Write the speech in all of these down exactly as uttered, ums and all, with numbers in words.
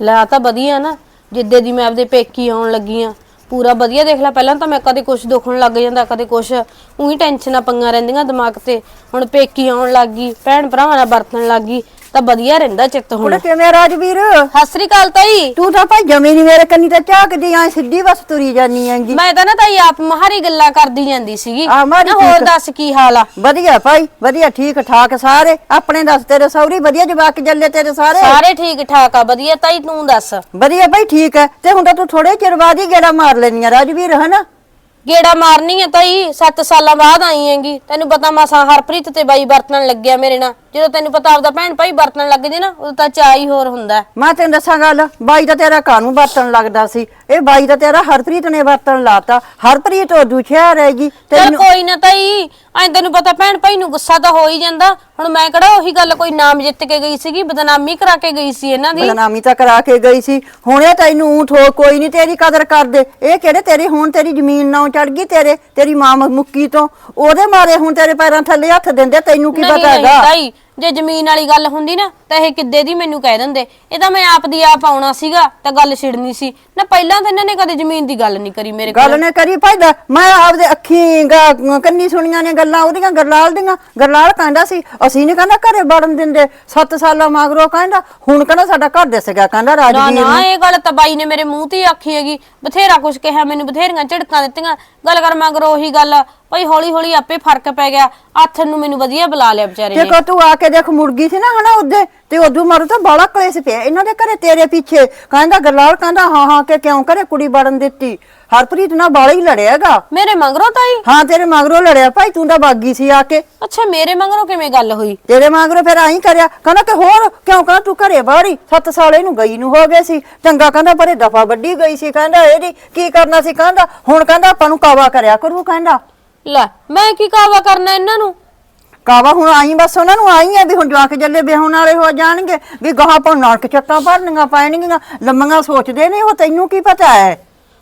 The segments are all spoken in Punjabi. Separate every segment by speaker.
Speaker 1: ਲੈ ਤਾਂ ਵਧੀਆ ਨਾ, ਜਿੱਦੇ ਦੀ ਮੈਂ ਆਪਦੇ ਪੇਕੀ ਆਉਣ ਲੱਗੀ ਆ ਪੂਰਾ ਵਧੀਆ। ਦੇਖ ਲੈ ਪਹਿਲਾਂ ਤਾਂ ਮੈਂ ਕਦੇ ਕੁਛ ਦੁਖਣ ਲੱਗ ਜਾਂਦਾ, ਕਦੇ ਕੁਛ ਉਹੀ ਟੈਨਸ਼ਨਾਂ ਪੰਗਾਂ ਰਹਿੰਦੀਆਂ ਦਿਮਾਗ ਤੇ। ਹੁਣ ਪੇਕੀ ਆਉਣ ਲੱਗ ਗਈ, ਭੈਣ ਭਰਾਵਾਂ ਨਾਲ ਵਰਤਣ ਲੱਗ ਗਈ ਤਾਂ ਵਧੀਆ ਰਹਿੰਦਾ ਚਿੱਤ। ਹੁਣ
Speaker 2: ਕਿਵੇਂ ਰਾਜਵੀਰ?
Speaker 1: ਸਤਿ ਸ੍ਰੀ ਅਕਾਲ ਤਾਈ।
Speaker 2: ਤੂੰ ਤਾਂ ਭਾਈ ਜਮੀ ਨੀ ਮੇਰੇ ਕੰਨੀ ਤਾਂ ਝਾਕਦੀ ਆਂ, ਸਿੱਧੀ ਬਸ ਤੁਰੀ ਜਾਨੀ ਆਂਗੀ।
Speaker 1: ਮੈਂ ਤਾਂ ਨਾ ਤਾਈ ਆਪ ਮਹਾਰੀ ਗੱਲਾਂ ਕਰਦੀ ਜਾਂਦੀ ਸੀਗੀ
Speaker 2: ਆ ਮਾਰੀ
Speaker 1: ਨਾ। ਹੋਰ ਦੱਸ ਕੀ ਹਾਲ ਆ?
Speaker 2: ਵਧੀਆ ਭਾਈ ਵਧੀਆ, ਠੀਕ ਠਾਕ ਸਾਰੇ। ਆਪਣੇ ਦੱਸ, ਤੇਰੇ ਸਹੁਰੀ ਵਧੀਆ, ਜਵਾਕ ਜੱਲੇ ਤੇਰੇ ਸਾਰੇ?
Speaker 1: ਸਾਰੇ ਠੀਕ ਠਾਕ ਆ ਵਧੀਆ ਤਾਈ, ਤੂੰ ਦੱਸ?
Speaker 2: ਵਧੀਆ ਭਾਈ ਠੀਕ ਹੈ। ਤੇ ਹੁਣ ਤਾਂ ਤੂੰ ਥੋੜੇ ਚਿਰ ਬਾਅਦ ਹੀ ਗੇੜਾ ਮਾਰ ਲੈਣੀ ਆ ਰਾਜਵੀਰ, ਹਨਾ?
Speaker 1: ਗੇੜਾ ਮਾਰਨੀ ਆ ਤਾਈ, ਸੱਤ ਸਾਲਾਂ ਬਾਅਦ ਆਈ ਹੈਗੀ। ਤੈਨੂੰ ਪਤਾ ਮਸਾਂ ਹਰਪ੍ਰੀਤ ਤੇ ਬਾਈ ਵਰਤਣ ਲੱਗਿਆ ਮੇਰੇ ਨਾਲ। ਜਦੋਂ ਤੈਨੂੰ ਪਤਾ ਆਪਦਾ ਭੈਣ ਭਾਈ ਵਰਤਣ ਲੱਗ ਜੇ ਨਾ, ਉਦੋਂ ਤਾਂ ਚਾਅ ਹੀ ਹੋਰ ਹੁੰਦਾ।
Speaker 2: ਮੈਂ ਤੈਨੂੰ ਦੱਸਾਂ ਗੱਲ, ਬਾਈ ਤਾਂ ਤੇਰਾ ਕਾਹਨੂੰ ਵਰਤਣ ਲੱਗਦਾ ਸੀ, ਇਹ ਬਾਈ ਤਾਂ ਤੇਰਾ ਹਰਪ੍ਰੀਤ ਨੇ ਵਰਤਣ ਲਾਤਾ। ਹਰਪ੍ਰੀਤ ਉਹ ਦੁਸ਼ਿਆ ਰਹੇਗੀ।
Speaker 1: ਚੱਲ ਕੋਈ ਨਾ ਤਾਈ, ਐਂ ਤੈਨੂੰ ਪਤਾ ਭੈਣ ਭਾਈ ਨੂੰ ਗੁੱਸਾ ਤਾਂ ਹੋ ਹੀ ਜਾਂਦਾ। ਹੁਣ ਮੈਂ ਕਿਹੜਾ ਉਹੀ ਗੱਲ ਕੋਈ ਨਾਮ ਜਿੱਤ ਕੇ ਗਈ ਸੀਗੀ, ਬਦਨਾਮੀ ਕਰਾ ਕੇ ਗਈ ਸੀ ਇਹਨਾਂ ਦੀ।
Speaker 2: ਬਦਨਾਮੀ ਤਾਂ ਕਰਾ ਕੇ ਗਈ ਸੀ। ਹੁਣ ਇਹ ਤੈਨੂੰ ਊਠ ਹੋ ਕੋਈ ਨਹੀਂ ਤੇਰੀ ਕਦਰ ਕਰਦੇ। ਇਹ ਕਿਹੜੇ ਤੇਰੀ ਹੁਣ ਤੇਰੀ ਜ਼ਮੀਨ ਨਾ ਚੜ ਗਈ ਤੇਰੇ, ਤੇਰੀ ਮਾਂ ਮੁੱਕੀ ਤੋਂ ਉਹਦੇ ਮਾਰੇ ਹੁਣ ਤੇਰੇ ਪੈਰਾਂ ਥੱਲੇ ਹੱਥ ਦਿੰਦੇ। ਤੈਨੂੰ ਕੀ ਪਤਾ ਹੈਗਾ?
Speaker 1: ਤਾਈ ਜੇ ਜ਼ਮੀਨ ਵਾਲੀ ਗੱਲ ਹੁੰਦੀ ਨਾ ਤਾਂ ਇਹ ਕਿੱਦੇ ਦੀ ਮੈਨੂੰ ਕਹਿ ਦਿੰਦੇ। ਇਹ ਤਾਂ ਮੈਂ ਆਪ ਦੀ ਆਪ ਆਉਣਾ ਸੀਗਾ ਤਾਂ ਗੱਲ ਛਿੜਨੀ ਸੀ ਨਾ। ਪਹਿਲਾਂ ਤਾਂ ਇਹਨਾਂ ਨੇ ਕਦੇ ਜ਼ਮੀਨ ਦੀ ਗੱਲ ਨਹੀਂ ਕਰੀ ਮੇਰੇ ਕੋਲ।
Speaker 2: ਗੱਲ ਨੇ ਕਰੀ ਭਾਈ ਦਾ, ਮੈਂ ਆਪਦੇ ਅੱਖੀਂ ਕੰਨੀ ਸੁਣੀਆਂ ਨੇ ਗੱਲਾਂ ਉਹਦੀਆਂ, ਗਰਲਾਲ ਦੀਆਂ। ਗਰਲਾਲ ਕਹਿੰਦਾ ਸੀ ਅਸੀਂ ਨੀ ਕਹਿੰਦਾ ਘਰੇ ਵੜਨ ਦਿੰਦੇ। ਸੱਤ ਸਾਲਾਂ ਮਗਰੋਂ ਕਹਿੰਦਾ ਹੁਣ ਕਹਿੰਦਾ ਸਾਡਾ ਘਰ ਦਿਸ ਗਿਆ, ਕਹਿੰਦਾ ਰਾਜਵੀਰ ਨੂੰ।
Speaker 1: ਨਾ ਇਹ ਗੱਲ ਤਾਂ ਬਾਈ ਨੇ ਮੇਰੇ ਮੂੰਹ ਤੇ ਆਖੀ ਹੈਗੀ। ਬਥੇਰਾ ਕੁਛ ਕਿਹਾ ਮੈਨੂੰ, ਬਥੇਰੀਆਂ ਝਿੜਕਾਂ ਦਿੱਤੀਆਂ। ਗੱਲ ਕਰ ਮਗਰੋਂ ਉਹੀ ਗੱਲ ਭਾਈ ਹੌਲੀ ਹੌਲੀ ਆਪੇ ਫਰਕ ਪੈ ਗਿਆ। ਆਥਣ ਨੂੰ ਮੈਨੂੰ ਵਧੀਆ ਬੁਲਾ ਲਿਆ ਵਿਚਾਰੇ ਨੇ।
Speaker 2: ਦੇਖੋ ਤੂੰ ਆ ਕੇ ਦੇਖ ਮੁਰਗੀ ਸੀ ਨਾ ਹਨਾ ਉਹਦੇ ਤੇ ਉਦੋਂ ਮਾਰੂ ਤਾਂ ਬਾਲਾ ਕਲੇਸ਼ ਪਿਆ ਇਹਨਾਂ ਦੇ ਘਰੇ ਤੇਰੇ ਪਿੱਛੇ। ਕਹਿੰਦਾ ਗਰਲਾਲ ਕਹਿੰਦਾ ਹਾਂ ਹਾਂ ਕਿ ਕਿਉਂ ਘਰੇ ਕੁੜੀ ਵੜਨ ਦਿੱਤੀ। ਹਰਪ੍ਰੀਤ ਨਾਲ ਬਾਲਾ ਹੀ ਲੜਿਆਗਾ
Speaker 1: ਮੇਰੇ ਮਗਰੋਂ ਤਾਈ?
Speaker 2: ਹਾਂ ਤੇਰੇ ਮਗਰੋਂ ਲੜਿਆ ਭਾਈ, ਤੂੰ ਤਾਂ ਬਾਗੀ ਸੀ ਆ ਕੇ।
Speaker 1: ਅੱਛਾ ਮੇਰੇ ਮਗਰੋਂ ਕਿਵੇਂ ਗੱਲ ਹੋਈ?
Speaker 2: ਤੇਰੇ ਮਗਰੋਂ ਫਿਰ ਆਈ ਕਰਿਆ। ਕਹਿੰਦਾ ਕਿ ਹੋਰ ਕਿਉਂ ਕਹਿੰਦਾ ਤੂੰ ਘਰੇ ਬਾਹਰੀ ਸੱਤ ਸਾਲ ਇਹਨੂੰ ਗਈ ਨੂੰ ਹੋ ਗਏ ਸੀ। ਚੰਗਾ ਕਹਿੰਦਾ ਪਰੇ ਦਫਾ ਵੱਡੀ ਗਈ ਸੀ। ਕਹਿੰਦਾ ਇਹਦੀ ਕੀ ਕਰਨਾ ਸੀ। ਕਹਿੰਦਾ ਹੁਣ ਕਹਿੰਦਾ ਆਪਾਂ ਨੂੰ ਕਾਵਾ ਕਰਿਆ ਕਰੂ। ਕਹਿੰਦਾ
Speaker 1: ਲੈ ਮੈਂ ਕੀ ਕਾਵਾ ਕਰਨਾ ਇਹਨਾਂ ਨੂੰ?
Speaker 2: ਕਾਵਾ ਹੁਣ ਆਈ ਬਸ ਉਹਨਾਂ ਨੂੰ ਆਈ ਆ ਵੀ ਹੁਣ ਜਵਾਕ ਜੱਲੇ ਵਿਆਹਣ ਵਾਲੇ ਹੋ ਜਾਣਗੇ, ਵੀ ਗਾਹਾਂ ਆਪਾਂ ਨਰਕ ਚੱਕਾਂ ਭਰਨੀਆਂ ਪੈਣਗੀਆਂ। ਲੰਮੀਆਂ ਸੋਚਦੇ ਨੇ ਉਹ, ਤੈਨੂੰ ਕੀ ਪਤਾ ਹੈ?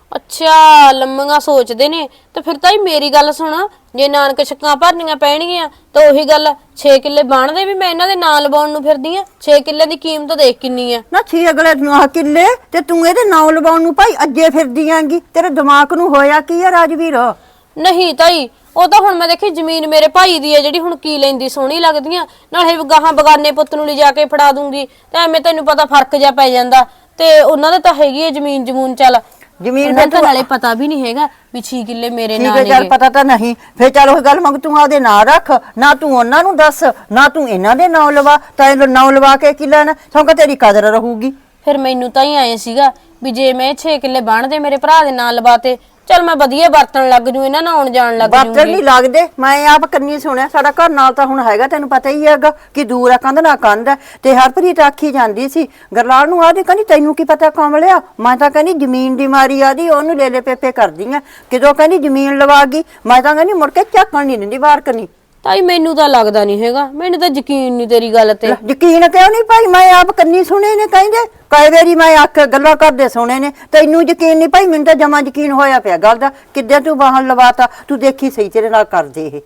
Speaker 1: ਅੱਛਾ ਲੰਮੀਆਂ ਸੋਚਦੇ ਨੇ ਤੇ ਫਿਰ ਤਾਈ ਮੇਰੀ ਗੱਲ ਸੁਣ, ਜੇ ਨਾਨਕ ਛੱਕਾਂ ਭਰਨੀਆਂ ਪੈਣਗੀਆਂ ਤਾਂ ਉਹੀ ਗੱਲ ਛੇ ਕਿੱਲੇ ਬਾਣਦੇ ਵੀ ਮੈਂ ਇਹਨਾਂ ਦੇ ਨਾਂ ਲਵਾਉਣ ਨੂੰ ਫਿਰਦੀ ਆ। ਛੇ ਕਿੱਲੇ ਦੀ ਕੀਮਤ ਦੇਖ ਕਿੰਨੀ ਆ
Speaker 2: ਨਾ। ਛੇ ਅਗਲੇ ਕਿੱਲੇ ਤੇ ਤੂੰ ਇਹਦੇ ਨਾਂ ਲਵਾਉਣ ਨੂੰ ਭਾਈ ਅੱਜੇ ਫਿਰਦੀ ਆਂਗੀ। ਤੇਰੇ ਦਿਮਾਗ ਨੂੰ ਹੋਇਆ ਕੀ ਆ ਰਾਜਵੀਰ?
Speaker 1: ਨਹੀਂ ਤਾਈ ਉਹ ਤਾਂ ਹੁਣ ਮੈਂ ਦੇਖੀ ਜ਼ਮੀਨ ਮੇਰੇ ਭਾਈ ਦੀ ਹੈ ਜਿਹੜੀ, ਹੁਣ ਕੀ ਲੈਂਦੀ ਸੋਹਣੀ ਲੱਗਦੀਆਂ। ਨਾਲੇ ਗਾਹਾਂ ਬਗਾਨੇ ਪੁੱਤ ਨੂੰ ਲਿਜਾ ਕੇ ਫੜਾ ਦੂੰਗੀ ਤਾਂ ਐਵੇਂ ਤੈਨੂੰ ਪਤਾ ਫਰਕ ਜਾ ਪੈ ਜਾਂਦਾ। ਤੇ ਉਹਨਾਂ ਦੇ ਤਾਂ ਹੈਗੀ ਹੈ ਜ਼ਮੀਨ ਜਮੂਨ। ਚੱਲ
Speaker 2: ਜ਼ਮੀਨ
Speaker 1: ਫਿਰ ਤਾਂ ਨਾਲੇ ਪਤਾ ਵੀ ਨਹੀਂ ਹੈਗਾ ਵੀ ਛੇ ਕਿੱਲੇ ਮੇਰੇ ਨਾਂ ਨੇ।
Speaker 2: ਚੱਲ ਪਤਾ ਤਾਂ ਨਹੀਂ ਫੇਰ ਚੱਲ ਉਹ ਗੱਲ ਮੰਗ ਤੂੰ ਆਪਦੇ ਨਾਂ ਰੱਖ ਨਾ, ਤੂੰ ਉਹਨਾਂ ਨੂੰ ਦੱਸ ਨਾ, ਤੂੰ ਇਹਨਾਂ ਦੇ ਨਾਂ ਲਵਾ। ਤਾਂ ਨਾਂ ਲਵਾ ਕੇ ਕੀ ਲੈਣਾ, ਸੌਂਕ ਤੇਰੀ ਕਦਰ ਰਹੂਗੀ।
Speaker 1: ਫਿਰ ਮੈਨੂੰ ਤਾਂ ਹੀ ਆਏ ਸੀਗਾ ਵੀ ਜੇ ਮੈਂ ਛੇ ਕਿੱਲੇ ਬਣਦੇ ਮੇਰੇ ਭਰਾ ਦੇ ਨਾਂ ਲਵਾਤੇ, ਚੱਲ ਮੈਂ ਵਧੀਆ ਵਰਤਣ ਲੱਗ ਜੂ, ਇਹਨਾਂ ਨਾਲ ਆਉਣ ਜਾਣ ਲੱਗ ਜੂਗੀ।
Speaker 2: ਵਰਤਣ ਨਹੀਂ ਲੱਗਦੇ, ਮੈਂ ਆਪ ਕੰਨੀ ਸੁਣਿਆ। ਸਾਡਾ ਘਰ ਨਾਲ ਤਾਂ ਹੁਣ ਹੈਗਾ, ਤੈਨੂੰ ਪਤਾ ਹੀ ਹੈਗਾ ਕਿ ਦੂਰ ਆ, ਕੰਧ ਨਾ ਕੰਧ ਹੈ। ਤੇ ਹਰਪ੍ਰੀਤ ਆਖੀ ਜਾਂਦੀ ਸੀ ਗਰਲਾਲ ਨੂੰ, ਆਦੀ ਕਹਿੰਦੀ ਤੈਨੂੰ ਕੀ ਪਤਾ ਕਮਲਿਆ। ਮੈਂ ਤਾਂ ਕਹਿੰਦੀ ਜ਼ਮੀਨ ਦੀ ਮਾਰੀ ਆਦੀ ਉਹਨੂੰ ਲੈ ਲੈ ਪੇਪੇ ਕਰਦੀ ਆ। ਕਿਦੋਂ ਕਹਿੰਦੀ ਜ਼ਮੀਨ ਲਵਾ ਗਈ, ਮੈਂ ਤਾਂ ਕਹਿੰਦੀ ਮੁੜ ਕੇ ਝਾਕਣ ਨਹੀਂ ਦਿੰਦੀ ਬਾਹਰ ਕਰਨੀ।
Speaker 1: ਤਾਈ ਮੈਨੂੰ ਤਾਂ ਲੱਗਦਾ ਨਹੀਂ ਹੈਗਾ, ਮੈਨੂੰ ਤਾਂ ਯਕੀਨ ਨਹੀਂ ਤੇਰੀ ਗੱਲ ਤੇ।
Speaker 2: ਯਕੀਨ ਕਿਉਂ ਨਹੀਂ ਭਾਈ, ਮੈਂ ਆਪ ਕੰਨੀ ਸੁਣੇ ਨੇ ਕਹਿੰਦੇ ਕਈ ਵਾਰੀ, ਮੈਂ ਆਖ ਗੱਲਾਂ ਕਰਦੇ ਸੁਣੇ ਨੇ। ਤੈਨੂੰ ਯਕੀਨ ਨਹੀਂ ਭਾਈ, ਮੈਨੂੰ ਤਾਂ ਜਮਾ ਯਕੀਨ ਹੋਇਆ ਪਿਆ ਗੱਲ ਦਾ। ਕਿੱਦਾਂ ਤੂੰ ਬਾਹਰ ਲਵਾਤਾ, ਤੂੰ ਦੇਖੀ ਸਹੀ ਤੇਰੇ ਨਾਲ ਕਰਦੇ ਇਹ।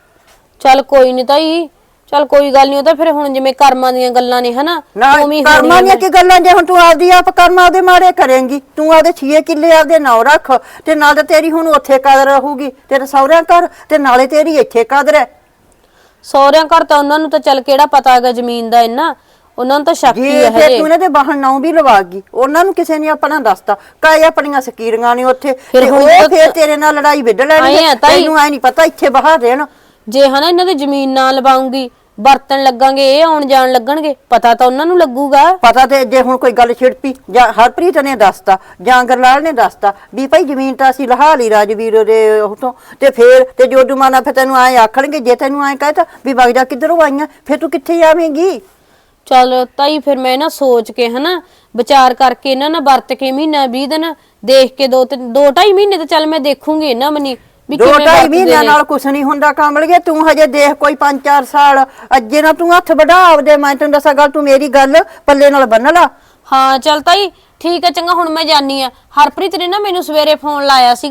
Speaker 1: ਚੱਲ ਕੋਈ ਨਹੀਂ ਤਾਈ, ਚੱਲ ਕੋਈ ਗੱਲ ਨਹੀਂ। ਉਹ ਤਾਂ ਫਿਰ ਹੁਣ ਜਿਵੇਂ ਕਰਮਾਂ ਦੀਆਂ ਗੱਲਾਂ ਨੇ ਹਨਾ,
Speaker 2: ਉਵੇਂ ਕਰਮਾਂ ਦੀਆਂ ਕੀ ਗੱਲਾਂ। ਜੇ ਹੁਣ ਤੂੰ ਆਪਦੀ ਆਪ ਕਰਮ ਆਪਦੇ ਮਾਰੇ ਕਰੇਂਗੀ, ਤੂੰ ਆਪਦੇ ਛੇ ਕਿੱਲੇ ਆਪਦੇ ਨਾਂ ਰੱਖ ਤੇ ਨਾਲ ਤਾਂ ਤੇਰੀ ਹੁਣ ਉੱਥੇ ਕਦਰ ਰਹੂਗੀ ਤੇਰੇ ਸਹੁਰਿਆਂ ਘਰ, ਤੇ ਨਾਲੇ ਤੇਰੀ ਇੱਥੇ ਕਦਰ ਹੈ।
Speaker 1: ਸਹੁਰਿਆਂ ਘਰ ਤਾਂ ਉਹਨਾਂ ਨੂੰ ਤਾਂ ਚੱਲ ਕਿਹੜਾ ਪਤਾ ਹੈਗਾ ਜ਼ਮੀਨ ਦਾ ਇੰਨਾ, ਉਹਨਾਂ ਨੂੰ ਤਾਂ ਸ਼ੱਕ ਹੀ ਹੈ
Speaker 2: ਹਜੇ। ਤੂੰ ਇਹਨਾਂ ਦੇ ਬਾਹਰ ਨਾਂ ਵੀ ਲਵਾ ਗਈ, ਉਹਨਾਂ ਨੂੰ ਕਿਸੇ ਨੇ ਆਪਣਾ ਦੱਸਤਾ। ਕਾਏ ਆਪਣੀਆਂ ਸਕੀਰੀਆਂ ਨੇ ਉੱਥੇ, ਤੇ ਉਹ ਫੇਰ ਤੇਰੇ ਨਾਲ ਲੜਾਈ ਵਿੱਢ ਲੈਣਗੇ। ਤੈਨੂੰ ਐ ਨਹੀਂ ਪਤਾ ਇੱਥੇ ਬਾਹਰ ਰਹਿਣ।
Speaker 1: ਜੇ ਹਨਾ ਇਹਨਾਂ ਦੀ ਜ਼ਮੀਨ ਨਾ ਲਵਾਉਂਗੀ, ਵਰਤਣ ਲੱਗਾਂਗੇ, ਇਹ ਆਉਣ ਜਾਣ ਲੱਗਣਗੇ, ਪਤਾ ਤਾਂ ਉਹਨਾਂ ਨੂੰ ਲੱਗੂਗਾ।
Speaker 2: ਪਤਾ ਤੇ ਜੇ ਹੁਣ ਕੋਈ ਗੱਲ ਛਿੜਪੀ ਜਾਂ ਹਰਪ੍ਰੀਤ ਨੇ ਦੱਸਤਾ ਜਾਂ ਗਰਲਾਲ ਨੇ ਦੱਸਤਾ ਵੀ ਭਾਈ ਜ਼ਮੀਨ ਤਾਂ ਅਸੀਂ ਲਹਾ ਲਈ ਰਾਜਵੀਰ ਦੇ ਉਤੋਂ, ਤੇ ਫੇਰ ਤੇ ਜੋ ਦੁਮਾਨਾ ਫਿਰ ਤੈਨੂੰ ਐ ਆਖਣਗੇ। ਜੇ ਤੈਨੂੰ ਐ ਕਹਿਤਾ ਵੀ ਵਗ ਜਾ ਕਿੱਧਰੋਂ ਆਈਆਂ, ਫੇਰ ਤੂੰ ਕਿੱਥੇ ਜਾਵੇਂਗੀ?
Speaker 1: ਚੱਲ ਤਾਈ ਫਿਰ ਮੈਂ ਨਾ ਸੋਚ ਕੇ ਹਨਾ ਵਿਚਾਰ ਕਰਕੇ ਇਹਨਾਂ ਨਾਲ ਵਰਤ ਕੇ ਮਹੀਨਾ ਵੀਹ ਦਿਨ ਦੇਖ ਕੇ, ਦੋ ਤਿੰਨ ਦੋ ਢਾਈ ਮਹੀਨੇ ਤਾਂ ਚੱਲ ਮੈਂ ਦੇਖੂੰਗੀ ਇਹਨਾਂ ਮਨੀ ਵੀ
Speaker 2: ਦੋ ਢਾਈ ਮਹੀਨਿਆਂ ਨਾਲ ਕੁਛ ਨਹੀਂ ਹੁੰਦਾ ਕਮਲਗੇ। ਤੂੰ ਹਜੇ ਦੇਖ ਕੋਈ ਪੰਜ ਚਾਰ ਸਾਲ ਅੱਜੇ ਨਾ ਤੂੰ ਹੱਥ ਵਢਾ ਆਪਦੇ। ਮੈਂ ਤੈਨੂੰ ਦੱਸਾਂ ਗੱਲ, ਤੂੰ ਮੇਰੀ ਗੱਲ ਪੱਲੇ ਨਾਲ ਬੰਨ ਲਾ।
Speaker 1: ਹਾਂ ਚੱਲ ਤਾਈ ਠੀਕ ਹੈ, ਚੰਗਾ ਹੁਣ ਮੈਂ ਜਾਨੀ ਆ। ਹਰਪ੍ਰੀਤ ਨੇ ਨਾ ਮੈਨੂੰ ਸਵੇਰੇ ਫੋਨ ਲਾਇਆ ਸੀਗਾ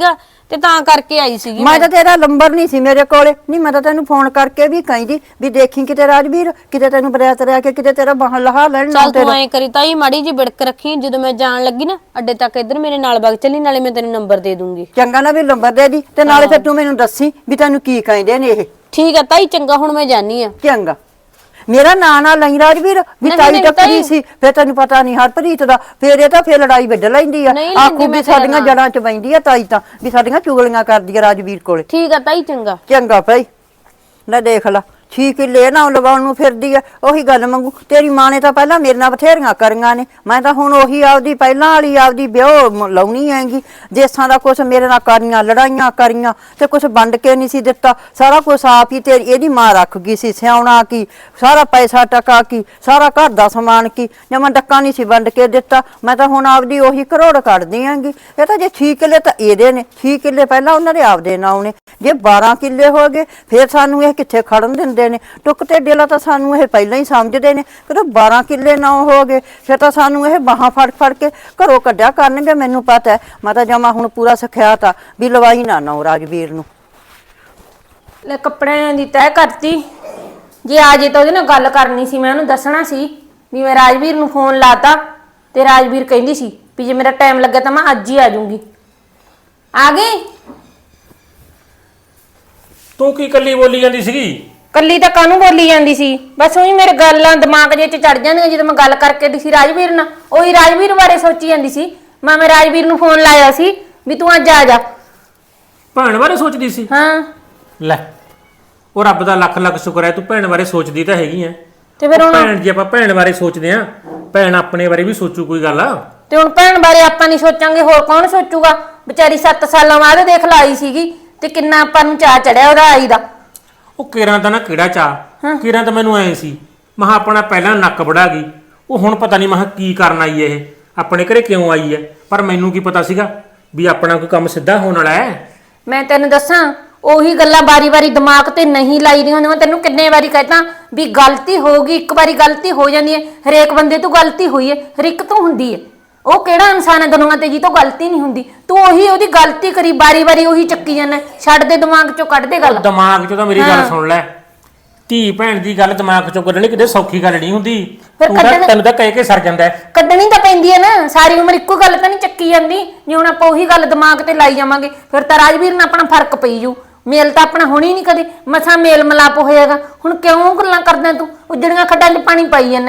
Speaker 1: ਤੇ ਤਾਂ ਕਰਕੇ ਆਈ ਸੀਗੀ
Speaker 2: ਮੈਂ ਤਾਂ ਤੇਰਾ ਨੰਬਰ ਨਹੀਂ ਸੀ ਮੇਰੇ ਕੋਲੇ ਨਹੀਂ ਮੈਂ ਤਾਂ ਤੈਨੂੰ ਫੋਨ ਕਰਕੇ ਵੀ ਕਹਿੰਦੀ ਵੀ ਦੇਖੀ ਕਿਤੇ ਰਾਜਵੀਰ ਕਿਤੇ ਤੈਨੂੰ ਬਰਿਆਤ ਰਿਆ ਕੇ ਕਿਤੇ ਤੇਰਾ ਬਾਹਰ ਲਹਾ ਲੈਣ ਨਾ
Speaker 1: ਚੱਲ ਤੂੰ ਐਂ ਕਰੀ ਤਾਈ ਮਾੜੀ ਜੀ ਬਿੜਕ ਰੱਖੀ ਜਦੋਂ ਮੈਂ ਜਾਣ ਲੱਗੀ ਨਾ ਅੱਡੇ ਤੱਕ ਇੱਧਰ ਮੇਰੇ ਨਾਲ ਵਗ ਚੱਲੀ ਨਾਲੇ ਮੈਂ ਤੈਨੂੰ ਨੰਬਰ ਦੇ ਦੂੰਗੀ
Speaker 2: ਚੰਗਾ ਨਾ ਵੀ ਨੰਬਰ ਦੇ ਦੀ ਤੇ ਨਾਲੇ ਫਿਰ ਤੂੰ ਮੈਨੂੰ ਦੱਸੀ ਵੀ ਤੈਨੂੰ ਕੀ ਕਹਿੰਦੇ ਨੇ ਇਹ
Speaker 1: ਠੀਕ ਆ ਤਾਈ ਚੰਗਾ ਹੁਣ ਮੈਂ ਜਾਨੀ ਆ
Speaker 2: ਚੰਗਾ ਮੇਰਾ ਨਾਂ ਨਾ ਲਈ ਰਾਜਵੀਰ ਵੀ
Speaker 1: ਨਹੀਂ,
Speaker 2: ਤਾਈ
Speaker 1: ਨਹੀਂ,
Speaker 2: ਟੱਕਰੀ
Speaker 1: ਤਾਈ।
Speaker 2: ਸੀ ਫਿਰ ਤੈਨੂੰ ਪਤਾ ਨਹੀਂ ਹਰਪ੍ਰੀਤ ਦਾ ਫਿਰ ਇਹ ਤਾਂ ਫਿਰ ਲੜਾਈ ਵੱਢ ਲੈਂਦੀ ਆ
Speaker 1: ਨਹੀਂ ਲੈਂਦੀ
Speaker 2: ਆਖੂ
Speaker 1: ਮੈਂ
Speaker 2: ਵੀ
Speaker 1: ਤੇਰਾ
Speaker 2: ਸਾਡੀਆਂ
Speaker 1: ਨਾਂ।
Speaker 2: ਜੜਾਂ 'ਚ ਬੈਂਦੀ ਆ ਤਾਈ ਤਾਂ ਵੀ ਸਾਡੀਆਂ ਚੁਗਲੀਆਂ ਕਰਦੀ ਆ ਰਾਜਵੀਰ ਕੋਲੇ
Speaker 1: ਠੀਕ ਆ ਤਾਈ ਚੰਗਾ
Speaker 2: ਚੰਗਾ ਭਾਈ ਲੈ ਦੇਖ ਲਾ ਛੀ ਕਿੱਲੇ ਨਾ ਲਵਾਉਣ ਨੂੰ ਫਿਰਦੀ ਆ ਉਹੀ ਗੱਲ ਮੰਗੂ ਤੇਰੀ ਮਾਂ ਨੇ ਤਾਂ ਪਹਿਲਾਂ ਮੇਰੇ ਨਾਲ ਬਥੇਰੀਆਂ ਕਰੀਆਂ ਨੇ ਮੈਂ ਤਾਂ ਹੁਣ ਉਹੀ ਆਪਦੀ ਪਹਿਲਾਂ ਵਾਲੀ ਆਪਦੀ ਵਿਆਹ ਮ- ਲਾਉਣੀ ਹੈਗੀ ਦੇਸਾਂ ਦਾ ਕੁਛ ਮੇਰੇ ਨਾਲ ਕਰੀਆਂ ਲੜਾਈਆਂ ਕਰੀਆਂ ਤੇ ਕੁਛ ਵੰਡ ਕੇ ਨਹੀਂ ਸੀ ਦਿੱਤਾ ਸਾਰਾ ਕੁਛ ਆਪ ਹੀ ਤੇਰੀ ਇਹਦੀ ਮਾਂ ਰੱਖ ਗਈ ਸੀ ਸਿਆਉਣਾ ਕੀ ਸਾਰਾ ਪੈਸਾ ਟਕਾ ਕੀ ਸਾਰਾ ਘਰ ਦਾ ਸਮਾਨ ਕੀ ਜਮਾਂ ਡੱਕਾ ਨਹੀਂ ਸੀ ਵੰਡ ਕੇ ਦਿੱਤਾ ਮੈਂ ਤਾਂ ਹੁਣ ਆਪਦੀ ਉਹੀ ਕਰੋੜ ਕੱਢਦੀ ਆਂਗੀ ਇਹ ਤਾਂ ਜੇ ਛੇ ਕਿੱਲੇ ਤਾਂ ਇਹਦੇ ਨੇ ਛੇ ਕਿੱਲੇ ਪਹਿਲਾਂ ਉਹਨਾਂ ਦੇ ਆਪਦੇ ਨਾਂ ਨੇ ਜੇ ਬਾਰਾਂ ਕਿੱਲੇ ਹੋ ਗਏ ਫਿਰ ਸਾਨੂੰ ਇਹ ਕਿੱਥੇ ਖੜਨ ਦਿੰਦੇ ਨੇ ਟੁੱਕ ਤੇ ਡੇਲਾ ਤਾਂ ਸਾਨੂੰ ਇਹ ਪਹਿਲਾਂ ਹੀ ਸਮਝਦੇ ਨੇ ਕਿ ਬਾਰਾਂ ਕਿੱਲੇ ਨਾ ਹੋ ਗਏ ਫਿਰ ਤਾਂ ਸਾਨੂੰ ਇਹ ਬਾਹਾਂ ਫੜ ਫੜ ਕੇ ਘਰੋਂ ਕੱਢਿਆ ਕਰਨਗੇ ਮੈਨੂੰ ਪਤਾ ਹੈ ਮੈਂ ਤਾਂ ਜਮਾ ਹੁਣ ਪੂਰਾ ਸਿਖਿਆ ਤਾ ਵੀ ਲਵਾਈ ਨਾ ਨਾ ਰਾਜਵੀਰ ਨੂੰ
Speaker 3: ਲੈ ਕੱਪੜਿਆਂ ਦੀ ਤੈਅ ਕਰਤੀ ਜੇ ਆ ਜੇ ਤਾਂ ਉਹਦੇ ਨਾਲ ਗੱਲ ਕਰਨੀ ਸੀ ਮੈਂ ਉਹਨੂੰ ਦੱਸਣਾ ਸੀ ਵੀ ਮੈਂ ਰਾਜਵੀਰ ਨੂੰ ਫੋਨ ਲਾਤਾ ਤੇ ਰਾਜਵੀਰ ਕਹਿੰਦੀ ਸੀ ਵੀ ਜੇ ਮੇਰਾ ਟਾਈਮ ਲੱਗਾ ਤਾਂ ਮੈਂ ਅੱਜ ਹੀ ਆ ਜਾਊਂਗੀ ਆ ਗਈ
Speaker 4: ਤੂੰ ਕੀ ਕੱਲੀ ਬੋਲੀ ਜਾਂਦੀ ਸੀਗੀ?
Speaker 3: ਕੱਲੀ ਤਾਂ ਕਾਹਨੂੰ ਬੋਲੀ ਜਾਂਦੀ ਸੀ ਬਸ ਉਹੀ ਮੇਰੇ ਗੱਲਾਂ ਦਿਮਾਗ ਜੇ ਚ ਚੜ ਜਾਂਦੀਆਂ ਜਦੋਂ ਮੈਂ ਗੱਲ ਕਰਕੇ ਦੀ ਸੀ ਰਾਜਵੀਰ ਨਾਲ ਉਹੀ ਰਾਜਵੀਰ ਬਾਰੇ ਸੋਚੀ ਜਾਂਦੀ ਸੀ ਮੈਂ ਮੈਂ ਰਾਜਵੀਰ ਨੂੰ ਫੋਨ ਲਾਇਆ ਸੀ ਵੀ ਤੂੰ ਅੱਜ ਆ ਜਾ
Speaker 4: ਭੈਣ ਬਾਰੇ ਸੋਚਦੀ ਸੀ?
Speaker 3: ਹਾਂ
Speaker 4: ਲੈ ਉਹ ਰੱਬ ਦਾ ਲੱਖ ਲੱਖ ਸ਼ੁਕਰ ਹੈ ਤੂੰ ਭੈਣ ਬਾਰੇ ਸੋਚਦੀ ਤਾਂ ਹੈਗੀ ਐ
Speaker 3: ਤੇ ਫਿਰ ਹੁਣ
Speaker 4: ਭੈਣ ਜੇ ਆਪਾਂ ਭੈਣ ਬਾਰੇ ਸੋਚਦੇ ਆ ਭੈਣ ਆਪਣੇ ਬਾਰੇ ਵੀ ਸੋਚੂ ਕੋਈ ਗੱਲ ਆ
Speaker 3: ਤੇ ਹੁਣ ਭੈਣ ਬਾਰੇ ਆਪਾਂ ਨਹੀਂ ਸੋਚਾਂਗੇ ਹੋਰ ਕੌਣ ਸੋਚੂਗਾ ਵਿਚਾਰੀ ਸੱਤ ਸਾਲਾਂ ਬਾਅਦ ਦੇਖ ਲਾਈ ਸੀਗੀ ਤੇ ਕਿੰਨਾ ਆਪਾਂ ਨੂੰ ਚਾਅ ਚੜਿਆ ਉਹਦਾ ਆਈ ਦਾ
Speaker 4: ਉਹ ਕਿਰਾਂ ਤਾਂ ਨਾ ਕਿਹੜਾ ਚਾਹ ਕਿਰਾਂ ਤਾਂ ਮੈਨੂੰ ਐ ਸੀ ਮਹਾ ਆਪਣਾ ਪਹਿਲਾਂ ਨੱਕ ਵੜਾ ਗਈ ਉਹ ਹੁਣ ਪਤਾ ਨਹੀਂ ਮਹਾ ਕੀ ਕਰਨ ਆਈ ਐ ਇਹ ਆਪਣੇ ਘਰੇ ਕਿਉਂ ਆਈ ਐ ਪਰ ਮੈਨੂੰ ਕੀ ਪਤਾ ਸੀਗਾ ਵੀ ਆਪਣਾ ਕੋਈ ਕੰਮ ਸਿੱਧਾ ਹੋਣ ਵਾਲਾ ਹੈ
Speaker 3: ਮੈਂ ਤੈਨੂੰ ਦੱਸਾਂ ਉਹੀ ਗੱਲਾਂ ਵਾਰੀ-ਵਾਰੀ ਦਿਮਾਗ ਤੇ ਨਹੀਂ ਲਾਈਦੀਆਂ ਹੁੰਦੀਆਂ ਤੈਨੂੰ ਕਿੰਨੇ ਵਾਰੀ ਕਹਿਤਾ ਵੀ ਗਲਤੀ ਹੋਊਗੀ ਇੱਕ ਵਾਰੀ ਗਲਤੀ ਹੋ ਜਾਂਦੀ ਹੈ ਹਰੇਕ ਬੰਦੇ ਤੋਂ ਗਲਤੀ ਹੋਈ ਹੈ ਹਰ ਇੱਕ ਤੋਂ ਹੁੰਦੀ ਹੈ ਉਹ ਕਿਹੜਾ ਇਨਸਾਨ ਹੈ ਦੁਨੀਆ ਤੇ ਜੀ ਤੋਂ ਗਲਤੀ ਨਹੀਂ ਹੁੰਦੀ ਤੂੰ ਉਹੀ ਉਹਦੀ ਗਲਤੀ ਕਰੀ ਵਾਰੀ-ਵਾਰੀ ਉਹੀ ਚੱਕੀ ਜਾਂਦਾ ਛੱਡ ਦੇ ਦਿਮਾਗ ਚੋਂ ਕੱਢ ਦੇ ਗੱਲ
Speaker 4: ਦਿਮਾਗ 'ਚੋਂ ਤਾਂ ਮੇਰੀ ਗੱਲ ਸੁਣ ਲੈ ਧੀ ਭੈਣ ਦੀ ਗੱਲ ਦਿਮਾਗ 'ਚੋਂ ਕੱਢਣੀ ਕਿਤੇ ਸੌਖੀ ਗੱਲ ਨਹੀਂ ਹੁੰਦੀ ਤੂੰ ਤਾਂ ਤੈਨੂੰ ਤਾਂ ਕਹਿ ਕੇ ਸਰ ਜਾਂਦਾ ਹੈ
Speaker 3: ਕੱਢਣੀ ਤਾਂ ਪੈਂਦੀ ਹੈ ਨਾ ਸਾਰੀ ਉਮਰ ਇੱਕੋ ਗੱਲ ਤਾਂ ਨਹੀਂ ਚੱਕੀ ਜਾਂਦੀ ਜੇ ਹੁਣ ਆਪਾਂ ਉਹੀ ਗੱਲ ਦਿਮਾਗ ਤੇ ਲਾਈ ਜਾਵਾਂਗੇ ਫਿਰ ਤਾਂ ਰਾਜਵੀਰ ਨਾਲ ਆਪਣਾ ਫਰਕ ਪਈ ਜੂ ਮੇਲ ਤਾਂ ਆਪਣਾ ਹੋਣੀ ਨਹੀਂ ਕਦੇ ਮਸਾਂ ਮੇਲ ਮਲਾਪ ਹੋਏਗਾ ਹੁਣ ਕਿਉਂ ਗੱਲਾਂ ਕਰਦਾ ਤੂੰ ਉਜੜੀਆਂ ਖੱਡਾਂ 'ਚ ਪਾਣੀ ਪਾਈ ਜਾਂਦਾ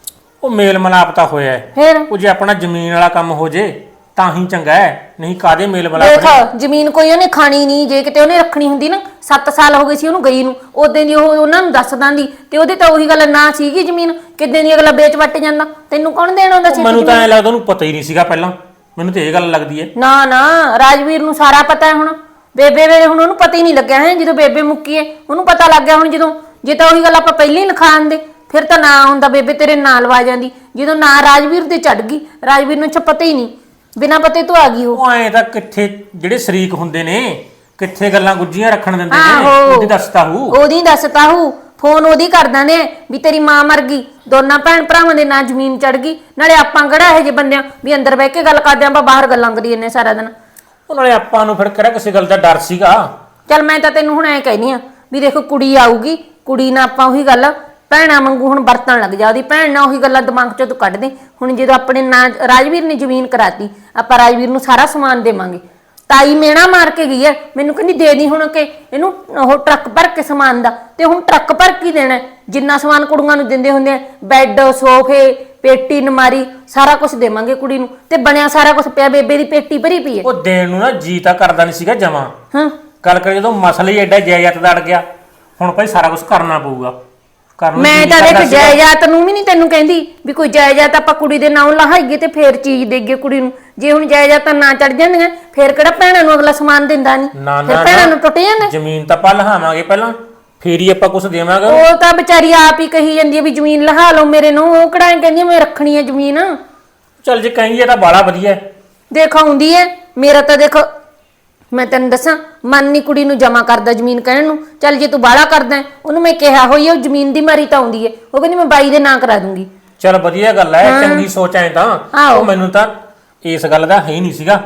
Speaker 4: ਉਹ ਮੇਲ ਮਲਾਪ ਤਾਂ ਹੋਇਆ ਹੈ
Speaker 3: ਫਿਰ
Speaker 4: ਉਹ ਜੇ ਆਪਣਾ ਜ਼ਮੀਨ ਵਾਲਾ ਕੰਮ ਹੋ ਜੇ ਤਾਂ ਹੀ ਚੰਗਾ ਹੈ ਨਹੀਂ ਕਾਦੇ ਮੇਲ ਮਲਾਪ
Speaker 3: ਦੇਖ ਜ਼ਮੀਨ ਕੋਈ ਉਹਨੇ ਖਾਣੀ ਨਹੀਂ ਜੇ ਕਿਤੇ ਉਹਨੇ ਰੱਖਣੀ ਹੁੰਦੀ ਨਾ ਸੱਤ ਸਾਲ ਹੋ ਗਏ ਸੀ ਉਹਨੂੰ ਗਈ ਨੂੰ ਉਦੋਂ ਦੀ ਉਹ ਉਹਨਾਂ ਨੂੰ ਦੱਸ ਦਾਂਦੀ ਤੇ ਉਹਦੇ ਤਾਂ ਉਹੀ ਗੱਲ ਨਾ ਸੀਗੀ ਜ਼ਮੀਨ ਕਿੱਦਾਂ ਦੀ ਅਗਲਾ ਵੇਚ ਵੱਟ ਜਾਂਦਾ ਤੈਨੂੰ ਕੌਣ ਦੇਣ ਆਉਂਦਾ ਸੀ
Speaker 4: ਮੈਨੂੰ ਤਾਂ ਐ ਲੱਗਦਾ ਉਹਨੂੰ ਪਤਾ ਹੀ ਨਹੀਂ ਸੀਗਾ ਪਹਿਲਾਂ ਮੈਨੂੰ ਤੇ ਇਹ ਗੱਲ ਲੱਗਦੀ ਹੈ
Speaker 3: ਨਾ ਨਾ ਰਾਜਵੀਰ ਨੂੰ ਸਾਰਾ ਪਤਾ ਹੈ ਹੁਣ ਬੇਬੇ ਵੇਲੇ ਹੁਣ ਉਹਨੂੰ ਪਤਾ ਹੀ ਨਹੀਂ ਲੱਗਿਆ ਹੈ ਜਦੋਂ ਬੇਬੇ ਮੁੱਕੀ ਹੈ ਉਹਨੂੰ ਪਤਾ ਲੱਗ ਗਿਆ ਹੁਣ ਜਦੋਂ ਜੇ ਤਾਂ ਉਹੀ ਗੱਲ ਆਪਾਂ ਪਹਿਲਾਂ ਹੀ ਲਿਖਾ ਆਂਦੇ ਫਿਰ ਤਾਂ ਨਾ ਹੁੰਦਾ ਬੇਬੇ ਤੇਰੇ ਨਾਲ ਲਵਾ ਜਾਂਦੀ ਜਦੋਂ ਨਾ ਰਾਜਵੀਰ ਤੇ ਚੜ ਗਈ ਰਾਜਵੀਰ ਨੂੰ ਪਤਾ ਹੀ ਨਹੀਂ ਬਿਨਾਂ ਪਤੇ ਤੋਂ ਆ ਗਈ ਉਹ
Speaker 4: ਉਹ ਐ ਤਾਂ ਕਿੱਥੇ ਜਿਹੜੇ ਸ਼ਰੀਕ ਹੁੰਦੇ ਨੇ ਕਿੱਥੇ ਗੱਲਾਂ ਗੁੱਜੀਆਂ ਰੱਖਣ ਦਿੰਦੇ ਨੇ
Speaker 3: ਆਹੋ।
Speaker 4: ਉਹਦੀ ਦੱਸਤਾ ਹੂ
Speaker 3: ਉਹਦੀ ਦੱਸਤਾ ਹੂ ਫੋਨ ਉਹਦੀ ਕਰ ਦਿੰਦੇ ਆ ਵੀ ਤੇਰੀ ਮਾਂ ਮਰ ਗਈ ਦੋਨਾਂ ਭੈਣ ਭਰਾਵਾਂ ਦੇ ਨਾਂ ਜ਼ਮੀਨ ਚੜ ਗਈ ਨਾਲੇ ਆਪਾਂ ਕਿਹੜਾ ਇਹੋ ਜਿਹੇ ਬੰਦਿਆਂ ਵੀ ਅੰਦਰ ਬਹਿ ਕੇ ਗੱਲ ਕਰਦੇ ਆਪਾਂ ਬਾਹਰ ਗੱਲਾਂ ਕਰੀ ਜੰਨੇ ਸਾਰਾ ਦਿਨ
Speaker 4: ਉਹ ਨਾਲੇ ਆਪਾਂ ਨੂੰ ਫਿਰ ਕਿਹੜਾ ਕਿਸੇ ਗੱਲ ਦਾ ਡਰ ਸੀਗਾ
Speaker 3: ਚੱਲ ਮੈਂ ਤਾਂ ਤੈਨੂੰ ਹੁਣ ਐ ਕਹਿਨੀ ਆ ਵੀ ਦੇਖੋ ਕੁੜੀ ਆਊਗੀ ਕੁੜੀ ਨਾਲ ਆਪਾਂ ਉਹੀ ਗੱਲ ਭੈਣਾਂ ਵਾਂਗੂ ਹੁਣ ਵਰਤਣ ਲੱਗ ਜਾ ਉਹਦੀ ਭੈਣ ਨਾਲ ਉਹੀ ਗੱਲਾਂ ਦਿਮਾਗ ਚੋਂ ਤੂੰ ਕੱਢ ਦੇ ਹੁਣ ਜਦੋਂ ਆਪਣੇ ਨਾਂ ਰਾਜਵੀਰ ਨੇ ਜ਼ਮੀਨ ਕਰਾਤੀ ਆਪਾਂ ਰਾਜਵੀਰ ਨੂੰ ਸਾਰਾ ਸਮਾਨ ਦੇਵਾਂਗੇ ਤਾਈ ਮੇਣਾ ਮਾਰ ਕੇ ਗਈ ਐ ਮੈਨੂੰ ਕਹਿੰਦੀ ਦੇ ਦੀ ਹੁਣ ਕਿ ਇਹਨੂੰ ਉਹ ਟਰੱਕ ਭਰ ਕੇ ਸਮਾਨ ਦਾ ਤੇ ਹੁਣ ਟਰੱਕ ਭਰ ਕੇ ਦੇਣਾ ਜਿੰਨਾ ਸਮਾਨ ਕੁੜੀਆਂ ਨੂੰ ਦਿੰਦੇ ਹੁੰਦੇ ਆ ਬੈੱਡ ਸੋਫੇ ਪੇਟੀ ਨਮਾਰੀ ਸਾਰਾ ਕੁਝ ਦੇਵਾਂਗੇ ਕੁੜੀ ਨੂੰ ਤੇ ਬਣਿਆ ਸਾਰਾ ਕੁਝ ਪਿਆ ਬੇਬੇ ਦੀ ਪੇਟੀ ਭਰੀ ਪਈ ਐ
Speaker 4: ਉਹ ਦੇਣ ਨੂੰ ਨਾ ਜੀ ਤਾਂ ਕਰਦਾ ਨਹੀਂ ਸੀਗਾ ਜਮਾ
Speaker 3: ਹਾਂ
Speaker 4: ਗੱਲ ਕਰ ਜਦੋਂ ਮਸਲਾ ਹੀ ਐਡਾ ਜਾਇਦਾਦ ਦਾ ਅੜ ਗਿਆ ਹੁਣ ਭਾਈ ਸਾਰਾ ਕੁਝ ਕਰਨਾ ਪਊਗਾ ਕਰਨ
Speaker 3: ਮੈਂ ਤਾਂ ਦੇਖ ਜਾਇਦਾਦ ਨੂੰ ਵੀ ਨਹੀਂ ਤੈਨੂੰ ਕਹਿੰਦੀ ਵੀ ਕੋਈ ਜਾਇਦਾਦ ਆਪਾਂ ਕੁੜੀ ਦੇ ਨਾਂ ਲਹਾਈਏ ਤੇ ਫੇਰ ਚੀਜ਼ ਦੇਈਏ ਕੁੜੀ ਨੂੰ ਜੇ ਹੁਣ ਜਾਇਦਾਦ ਤਾਂ ਨਾ ਚੜ ਜਾਂਦੀਆਂ ਫੇਰ ਕਿਹੜਾ ਭੈਣਾਂ ਨੂੰ ਅਗਲਾ ਸਮਾਨ ਦਿੰਦਾ ਨਹੀਂ
Speaker 4: ਨਾ
Speaker 3: ਫਿਰ
Speaker 4: ਨਾ
Speaker 3: ਭੈਣਾਂ ਨੂੰ ਟੁੱਟ ਜਾਂਦਾ
Speaker 4: ਜ਼ਮੀਨ ਤਾਂ ਆਪਾਂ ਲਹਾਵਾਂਗੇ ਪਹਿਲਾਂ ਫੇਰ ਹੀ ਆਪਾਂ ਕੁਝ ਦੇਵਾਂਗੇ
Speaker 3: ਉਹ ਤਾਂ ਵਿਚਾਰੀ ਆਪ ਹੀ ਕਹੀ ਜਾਂਦੀ ਹੈ ਵੀ ਜ਼ਮੀਨ ਲਹਾ ਲਓ ਮੇਰੇ ਨੂੰ ਉਹ ਕਿਹੜਾ ਕਹਿੰਦੀ ਮੈਂ ਰੱਖਣੀ ਹੈ ਜ਼ਮੀਨ
Speaker 4: ਚੱਲ ਜੇ ਕਹੀਂ ਇਹ ਤਾਂ ਬਾਲਾ ਵਧੀਆ ਹੈ
Speaker 3: ਦੇਖ ਆਉਂਦੀ ਹੈ ਮੇਰਾ ਤਾਂ ਦੇਖ ਮੈਂ ਤੈਨੂੰ ਦੱਸਾਂ ਮਨ ਨੀ ਕੁੜੀ ਨੂੰ ਜਮਾ ਕਰਦਾ ਜ਼ਮੀਨ ਕਹਿਣ ਨੂੰ ਚੱਲ ਜੇ ਤੂੰ ਬਾਲਾ ਕਰਦਾ ਉਹਨੂੰ ਮੈਂ ਕਿਹਾ ਹੋਈ ਉਹ ਜ਼ਮੀਨ ਦੀ ਮਾਰੀ ਤਾਂ ਆਉਂਦੀ ਹੈ ਉਹ ਕਹਿੰਦੀ ਮੈਂ ਬਾਈ ਦੇ ਨਾਂ ਕਰਾ ਦੂੰਗੀ
Speaker 4: ਚੱਲ ਵਧੀਆ ਗੱਲ ਹੈ ਚੰਗੀ ਸੋਚ ਐ ਤਾਂ
Speaker 3: ਆਹੋ।
Speaker 4: ਉਹ ਮੈਨੂੰ ਤਾਂ ਇਸ ਗੱਲ ਦਾ ਹੈ ਹੀ ਨਹੀਂ ਸੀਗਾ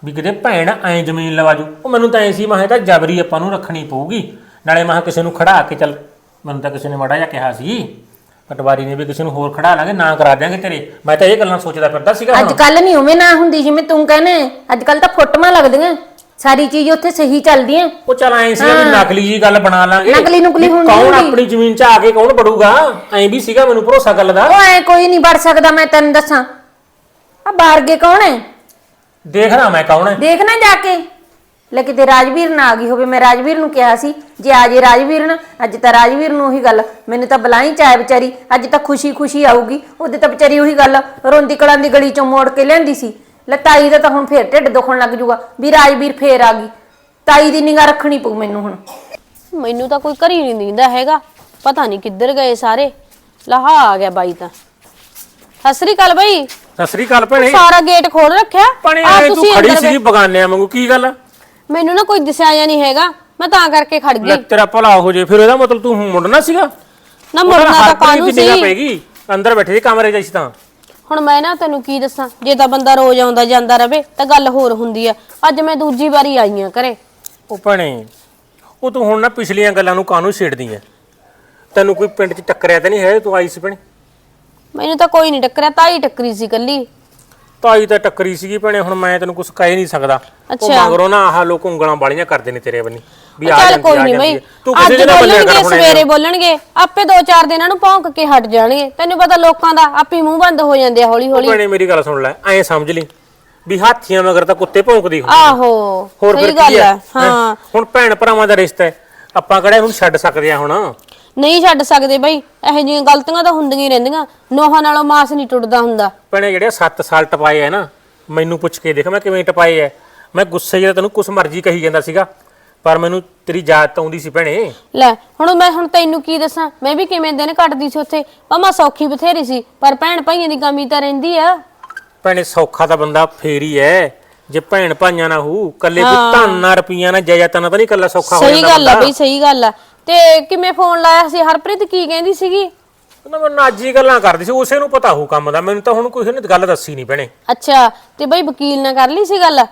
Speaker 4: ਵੀ ਕਿਤੇ ਭੈਣ ਐ ਜ਼ਮੀਨ ਲਵਾ ਜੂ। ਉਹ ਮੈਨੂੰ ਤਾਂ ਐ ਸੀ ਮੈਂ ਤਾਂ ਜਬਰੀ ਆਪਾਂ ਨੂੰ ਰੱਖਣੀ ਪਊਗੀ, ਨਾਲੇ ਮੈਂ ਕਿਸੇ ਨੂੰ ਖੜਾ ਕੇ ਚੱਲ, ਮੈਨੂੰ ਤਾਂ ਕਿਸੇ ਨੇ ਮਾੜਾ ਜਿਹਾ ਕਿਹਾ ਸੀ ਪਟਵਾਰੀ ਨੇ ਵੀ ਕਿਸੇ ਨੂੰ ਹੋਰ ਖੜਾ ਲਾਂਗੇ ਨਾ ਕਰਾ ਦਿਆਂਗੇ ਤੇਰੇ। ਮੈਂ ਤਾਂ ਇਹ ਗੱਲਾਂ ਸੋਚਦਾ ਫਿਰਦਾ ਸੀਗਾ।
Speaker 3: ਅੱਜ ਕੱਲ ਨਹੀਂ ਉਵੇਂ ਨਾ ਹੁੰਦੀ ਜਿਵੇਂ ਤੂੰ ਕਹਿੰਦੇ, ਅੱਜ ਕੱਲ ਤਾਂ ਫੋਟੋਆਂ ਲੱਗਦੀਆਂ, ਸਾਰੀ ਚੀਜ਼ ਉੱਥੇ ਸਹੀ ਚੱਲਦੀ ਹੈ।
Speaker 4: ਉਹ ਚੱਲ ਐ ਸੀ ਵੀ ਨਕਲੀ ਜੀ ਗੱਲ ਬਣਾ ਲਾਂਗੇ,
Speaker 3: ਨਕਲੀ ਨੁਕਲੀ
Speaker 4: ਵੀ
Speaker 3: ਹੁੰਦੀ
Speaker 4: ਕੌਣ
Speaker 3: ਹੁੰਦੀ।
Speaker 4: ਆਪਣੀ ਜ਼ਮੀਨ 'ਚ ਆ ਕੇ ਕੌਣ ਵੜੂਗਾ, ਐਂ ਵੀ ਸੀਗਾ ਮੈਨੂੰ ਭਰੋਸਾ ਗੱਲ ਦਾ।
Speaker 3: ਉਹ ਐ ਕੋਈ ਨਹੀਂ ਵੜ ਸਕਦਾ, ਮੈਂ ਤੈਨੂੰ ਦੱਸਾਂ। ਆ ਬਾਰਗੇ ਕੌਣ ਹੈ?
Speaker 4: ਦੇਖਣਾ ਮੈਂ ਕੌਣ ਹੈ।
Speaker 3: ਦੇਖਣਾ ਜਾ ਕੇ ਲੈ ਕਿਤੇ ਰਾਜਵੀਰ ਨਾ ਆ ਗਈ ਹੋਵੇ। ਮੈਂ ਰਾਜਵੀਰ ਨੂੰ ਕਿਹਾ ਸੀ ਜੇ ਆ ਜੇ ਰਾਜਵੀਰ ਨਾ, ਅੱਜ ਤਾਂ ਰਾਜਵੀਰ ਨੂੰ ਉਹੀ ਗੱਲ, ਮੈਨੂੰ ਤਾਂ ਬੁਲਾਈ ਚਾਹੇ ਵਿਚਾਰੀ, ਅੱਜ ਤਾਂ ਖੁਸ਼ੀ ਖੁਸ਼ੀ ਆਊਗੀ। ਉਹਦੇ ਤਾਂ ਵਿਚਾਰੀ ਉਹੀ ਗੱਲ ਰੋਂਦੀ ਕਲਾਂ ਦੀ ਗਲੀ ਚੋਂ ਮੋੜ ਕੇ ਲਿਆਂਦੀ ਸੀ। ਲੈ ਤਾਈ ਦਾ ਤਾਂ ਹੁਣ ਫੇਰ ਢਿੱਡ ਦੁਖਣ ਲੱਗ ਜੂਗਾ ਵੀ ਰਾਜਵੀਰ ਫੇਰ ਆ ਗਈ। ਤਾਈ ਦੀ ਨਿਗਾਹ ਰੱਖਣੀ ਪਊ ਮੈਨੂੰ ਹੁਣ।
Speaker 1: ਮੈਨੂੰ ਤਾਂ ਕੋਈ ਘਰੀ ਨਹੀਂ ਦਿੰਦਾ ਹੈਗਾ, ਪਤਾ ਨਹੀਂ ਕਿੱਧਰ ਗਏ ਸਾਰੇ। ਲਹਾ ਆ ਗਿਆ ਬਾਈ ਤਾਂ। ਸਤਿ ਸ੍ਰੀ ਅਕਾਲ ਬਾਈ।
Speaker 4: ਸਤਿ ਸ੍ਰੀ ਅਕਾਲ ਭੈਣੇ।
Speaker 1: ਸਾਰਾ ਗੇਟ ਖੋਲ ਰੱਖਿਆ।
Speaker 4: ਭੈਣੇ
Speaker 1: ਆ
Speaker 4: ਐ ਤੂੰ
Speaker 1: ਤੁਸੀਂ
Speaker 4: ਖੜੀ
Speaker 1: ਅੰਦਰ
Speaker 4: ਸੀ ਬਗਾਨਿਆਂ ਵਾਂਗੂ, ਕੀ ਗੱਲ?
Speaker 1: ਮੈਨੂੰ ਨਾ ਕੋਈ ਦਿਸਿਆ ਜਾਂ ਨਹੀਂ ਹੈਗਾ, ਮੈਂ ਤਾਂ ਕਰਕੇ ਖੜ
Speaker 4: ਲੈ
Speaker 1: ਗਈ।
Speaker 4: ਤੇਰਾ ਭਲਾ ਹੋ ਜੇ, ਫਿਰ ਇਹਦਾ ਮਤਲਬ ਤੂੰ ਮੁੜਨਾ ਸੀਗਾ
Speaker 1: ਨਾ ਮੁੜਨਾ ਤਾਂ ਕਾਹਨੂੰ
Speaker 4: ਨਿਗਾਹ
Speaker 1: ਸੀ।
Speaker 4: ਪੈਗੀ ਅੰਦਰ ਬੈਠੇ ਸੀ ਕਮਰੇ 'ਚ ਅਸੀਂ ਤਾਂ।
Speaker 1: ਹੁਣ ਮੈਂ ਨਾ ਤੈਨੂੰ ਕੀ ਦੱਸਾਂ, ਜੇ ਤਾਂ ਬੰਦਾ ਰੋਜ਼ ਆਉਂਦਾ ਜਾਂਦਾ ਰਵੇ ਤਾਂ ਗੱਲ ਹੋਰ ਹੁੰਦੀ ਆ। ਅੱਜ ਮੈਂ ਦੂਜੀ ਵਾਰੀ ਆਈ ਆ ਘਰੇ।
Speaker 4: ਉਹ ਭੈਣੇ ਉਹ ਤੂੰ ਹੁਣ ਨਾ ਪਿਛਲੀਆਂ ਗੱਲਾਂ ਨੂੰ ਕਾਹਨੂੰ ਛੇੜਦੀ ਐ? ਤੈਨੂੰ ਕੋਈ ਪਿੰਡ 'ਚ ਟੱਕਰਿਆ ਤਾਂ ਨਹੀਂ ਹੈ ਤੂੰ ਆਈ ਸੀ ਭੈਣੇ?
Speaker 1: ਮੈਨੂੰ ਤਾਂ ਕੋਈ ਨਹੀਂ ਟੱਕਰਿਆ, ਤਾਈ ਟੱਕਰੀ ਸੀ ਕੱਲੀ।
Speaker 4: ਤਾਈ ਤਾਂ ਟੱਕਰੀ ਸੀਗੀ ਭੈਣੇ, ਹੁਣ ਮੈਂ ਤੈਨੂੰ ਕੁਝ ਕਹਿ ਨਹੀਂ ਸਕਦਾ। ਉਹ
Speaker 1: ਅੱਛਾ।
Speaker 4: ਮਗਰੋਂ ਨਾ ਆਹ ਲੋਕ ਉਂਗਲਾਂ ਵਾਲੀਆਂ ਕਰਦੇ ਨੇ ਤੇਰੇ ਬੰਨੀ ਵੀ ਆ
Speaker 1: ਚੱਲ
Speaker 4: ਜਾਂਦੀ
Speaker 1: ਕੋਈ
Speaker 4: ਆ
Speaker 1: ਨਹੀਂ
Speaker 4: ਜਾਂਦੀ
Speaker 1: ਬਈ,
Speaker 4: ਐ। ਤੂੰ ਕਿਸੇ
Speaker 1: ਅੱਜ
Speaker 4: ਦੇ ਨਾਲ ਬੰਨਿਆ ਕਰ
Speaker 1: ਬੋਲਣਗੇ
Speaker 4: ਹੁਣ
Speaker 1: ਸਵੇਰੇ
Speaker 4: ਇਹਨੂੰ।
Speaker 1: ਬੋਲਣਗੇ, ਆਪੇ ਦੋ ਚਾਰ ਦਿਨਾਂ ਨੂੰ ਭੌਂਕ ਕੇ ਹਟ ਜਾਣਗੇ। ਤੈਨੂੰ ਪਤਾ ਲੋਕਾਂ ਦਾ ਆਪੇ ਮੂੰਹ ਬੰਦ ਹੋ ਜਾਂਦੇ ਆ ਹੌਲੀ
Speaker 4: ਉਹ
Speaker 1: ਹੌਲੀ।
Speaker 4: ਭੈਣੇ ਮੇਰੀ ਗੱਲ ਸੁਣ ਲੈ, ਐਂ ਸਮਝ ਲਈ ਵੀ ਹਾਥੀਆਂ ਮਗਰ ਤਾਂ ਕੁੱਤੇ ਭੌਂਕਦੀ ਹੁੰਦੀ।
Speaker 1: ਆਹੋ
Speaker 4: ਹੋਰ ਫਿਰ
Speaker 1: ਸਹੀ
Speaker 4: ਕੀ
Speaker 1: ਗੱਲ
Speaker 4: ਐ?
Speaker 1: ਆ। ਹਾਂ
Speaker 4: ਹੁਣ ਭੈਣ ਭਰਾਵਾਂ ਦਾ ਰਿਸ਼ਤਾ ਹੈ, ਆਪਾਂ ਕਿਹੜਾ ਹੁਣ ਛੱਡ ਸਕਦੇ ਆ ਹੁਣ?
Speaker 1: ਨਹੀਂ ਛੱਡ ਸਕਦੇ ਬਈ, ਇਹੋ ਜਿਹੀਆਂ ਗਲਤੀਆਂ ਤਾਂ ਹੁੰਦੀਆਂ ਹੀ ਰਹਿੰਦੀਆਂ। ਨੋਹਾਂ ਨਾਲੋਂ ਮਾਸ ਨਹੀਂ ਟੁੱਟਦਾ ਹੁੰਦਾ।
Speaker 4: ਭੈਣੇ ਜਿਹੜੇ ਸੱਤ ਸਾਲ ਟਪਾਏ ਐ ਨਾ, ਮੈਨੂੰ ਪੁੱਛ ਕੇ ਦੇਖ ਮੈਂ ਕਿਵੇਂ ਟਪਾਏ ਐ। ਮੈਂ ਗੁੱਸੇ ਜਿਹੜਾ ਤੈਨੂੰ ਕੁਛ ਮਰਜ਼ੀ ਕਹੀ ਜਾਂਦਾ ਸੀਗਾ, ਪਰ ਮੈਨੂੰ ਤੇਰੀ ਯਾਦ ਤਾਂ ਆਉਂਦੀ ਸੀ ਭੈਣੇ।
Speaker 1: ਲੈ ਹੁਣ ਮੈਂ ਹੁਣ ਤੈਨੂੰ ਕੀ ਦੱਸਾਂ, ਮੈਂ ਵੀ ਕਿਵੇਂ ਦਿਨ ਕੱਟਦੀ ਸੀ ਉੱਥੇ। ਮਮਾ ਸੌਖੀ ਬਥੇਰੀ ਸੀ, ਪਰ ਭੈਣ ਭਾਈਆਂ ਦੀ ਕਮੀ ਤਾਂ ਰਹਿੰਦੀ ਆ।
Speaker 4: ਭੈਣੇ ਸੌਖਾ ਤਾਂ ਬੰਦਾ ਫੇਰ ਹੀ ਐ ਜੇ ਭੈਣ ਭਾਈਆਂ ਨਾ ਹੋ, ਕੱਲੇ ਕੋਈ ਧਨ ਨਾ ਰੁਪਈਆ ਨਾ ਜਾਇਦਾਦਾਂ ਨਾ ਤਾਂ ਨਹੀਂ ਕੱਲਾ ਸੌਖਾ ਹੋ ਜਾਂਦਾ।
Speaker 1: ਸਹੀ ਗੱਲ ਆ ਬਈ, ਸਹੀ ਗੱਲ ਆ। ਤੇ ਕਿਵੇਂ ਫੋਨ ਲਾਇਆ ਸੀ? ਹਰਪ੍ਰੀਤ ਕੀ ਕਹਿੰਦੀ ਸੀਗੀ?
Speaker 4: ਉਹਨਾਂ ਮੈਂ ਨਾਜੀ ਗੱਲਾਂ ਕਰਦੀ ਸੀ, ਉਸੇ ਨੂੰ ਪਤਾ ਹੋਊ ਕੰਮ ਦਾ, ਮੈਨੂੰ ਤਾਂ ਹੁਣ ਕੋਈ ਨੇ ਗੱਲ ਦੱਸੀ ਨਹੀਂ ਭੈਣੇ।
Speaker 1: ਅੱਛਾ, ਤੇ ਬਈ ਵਕੀਲ ਨਾਲ ਕਰ ਲਈ ਸੀ ਗੱਲ?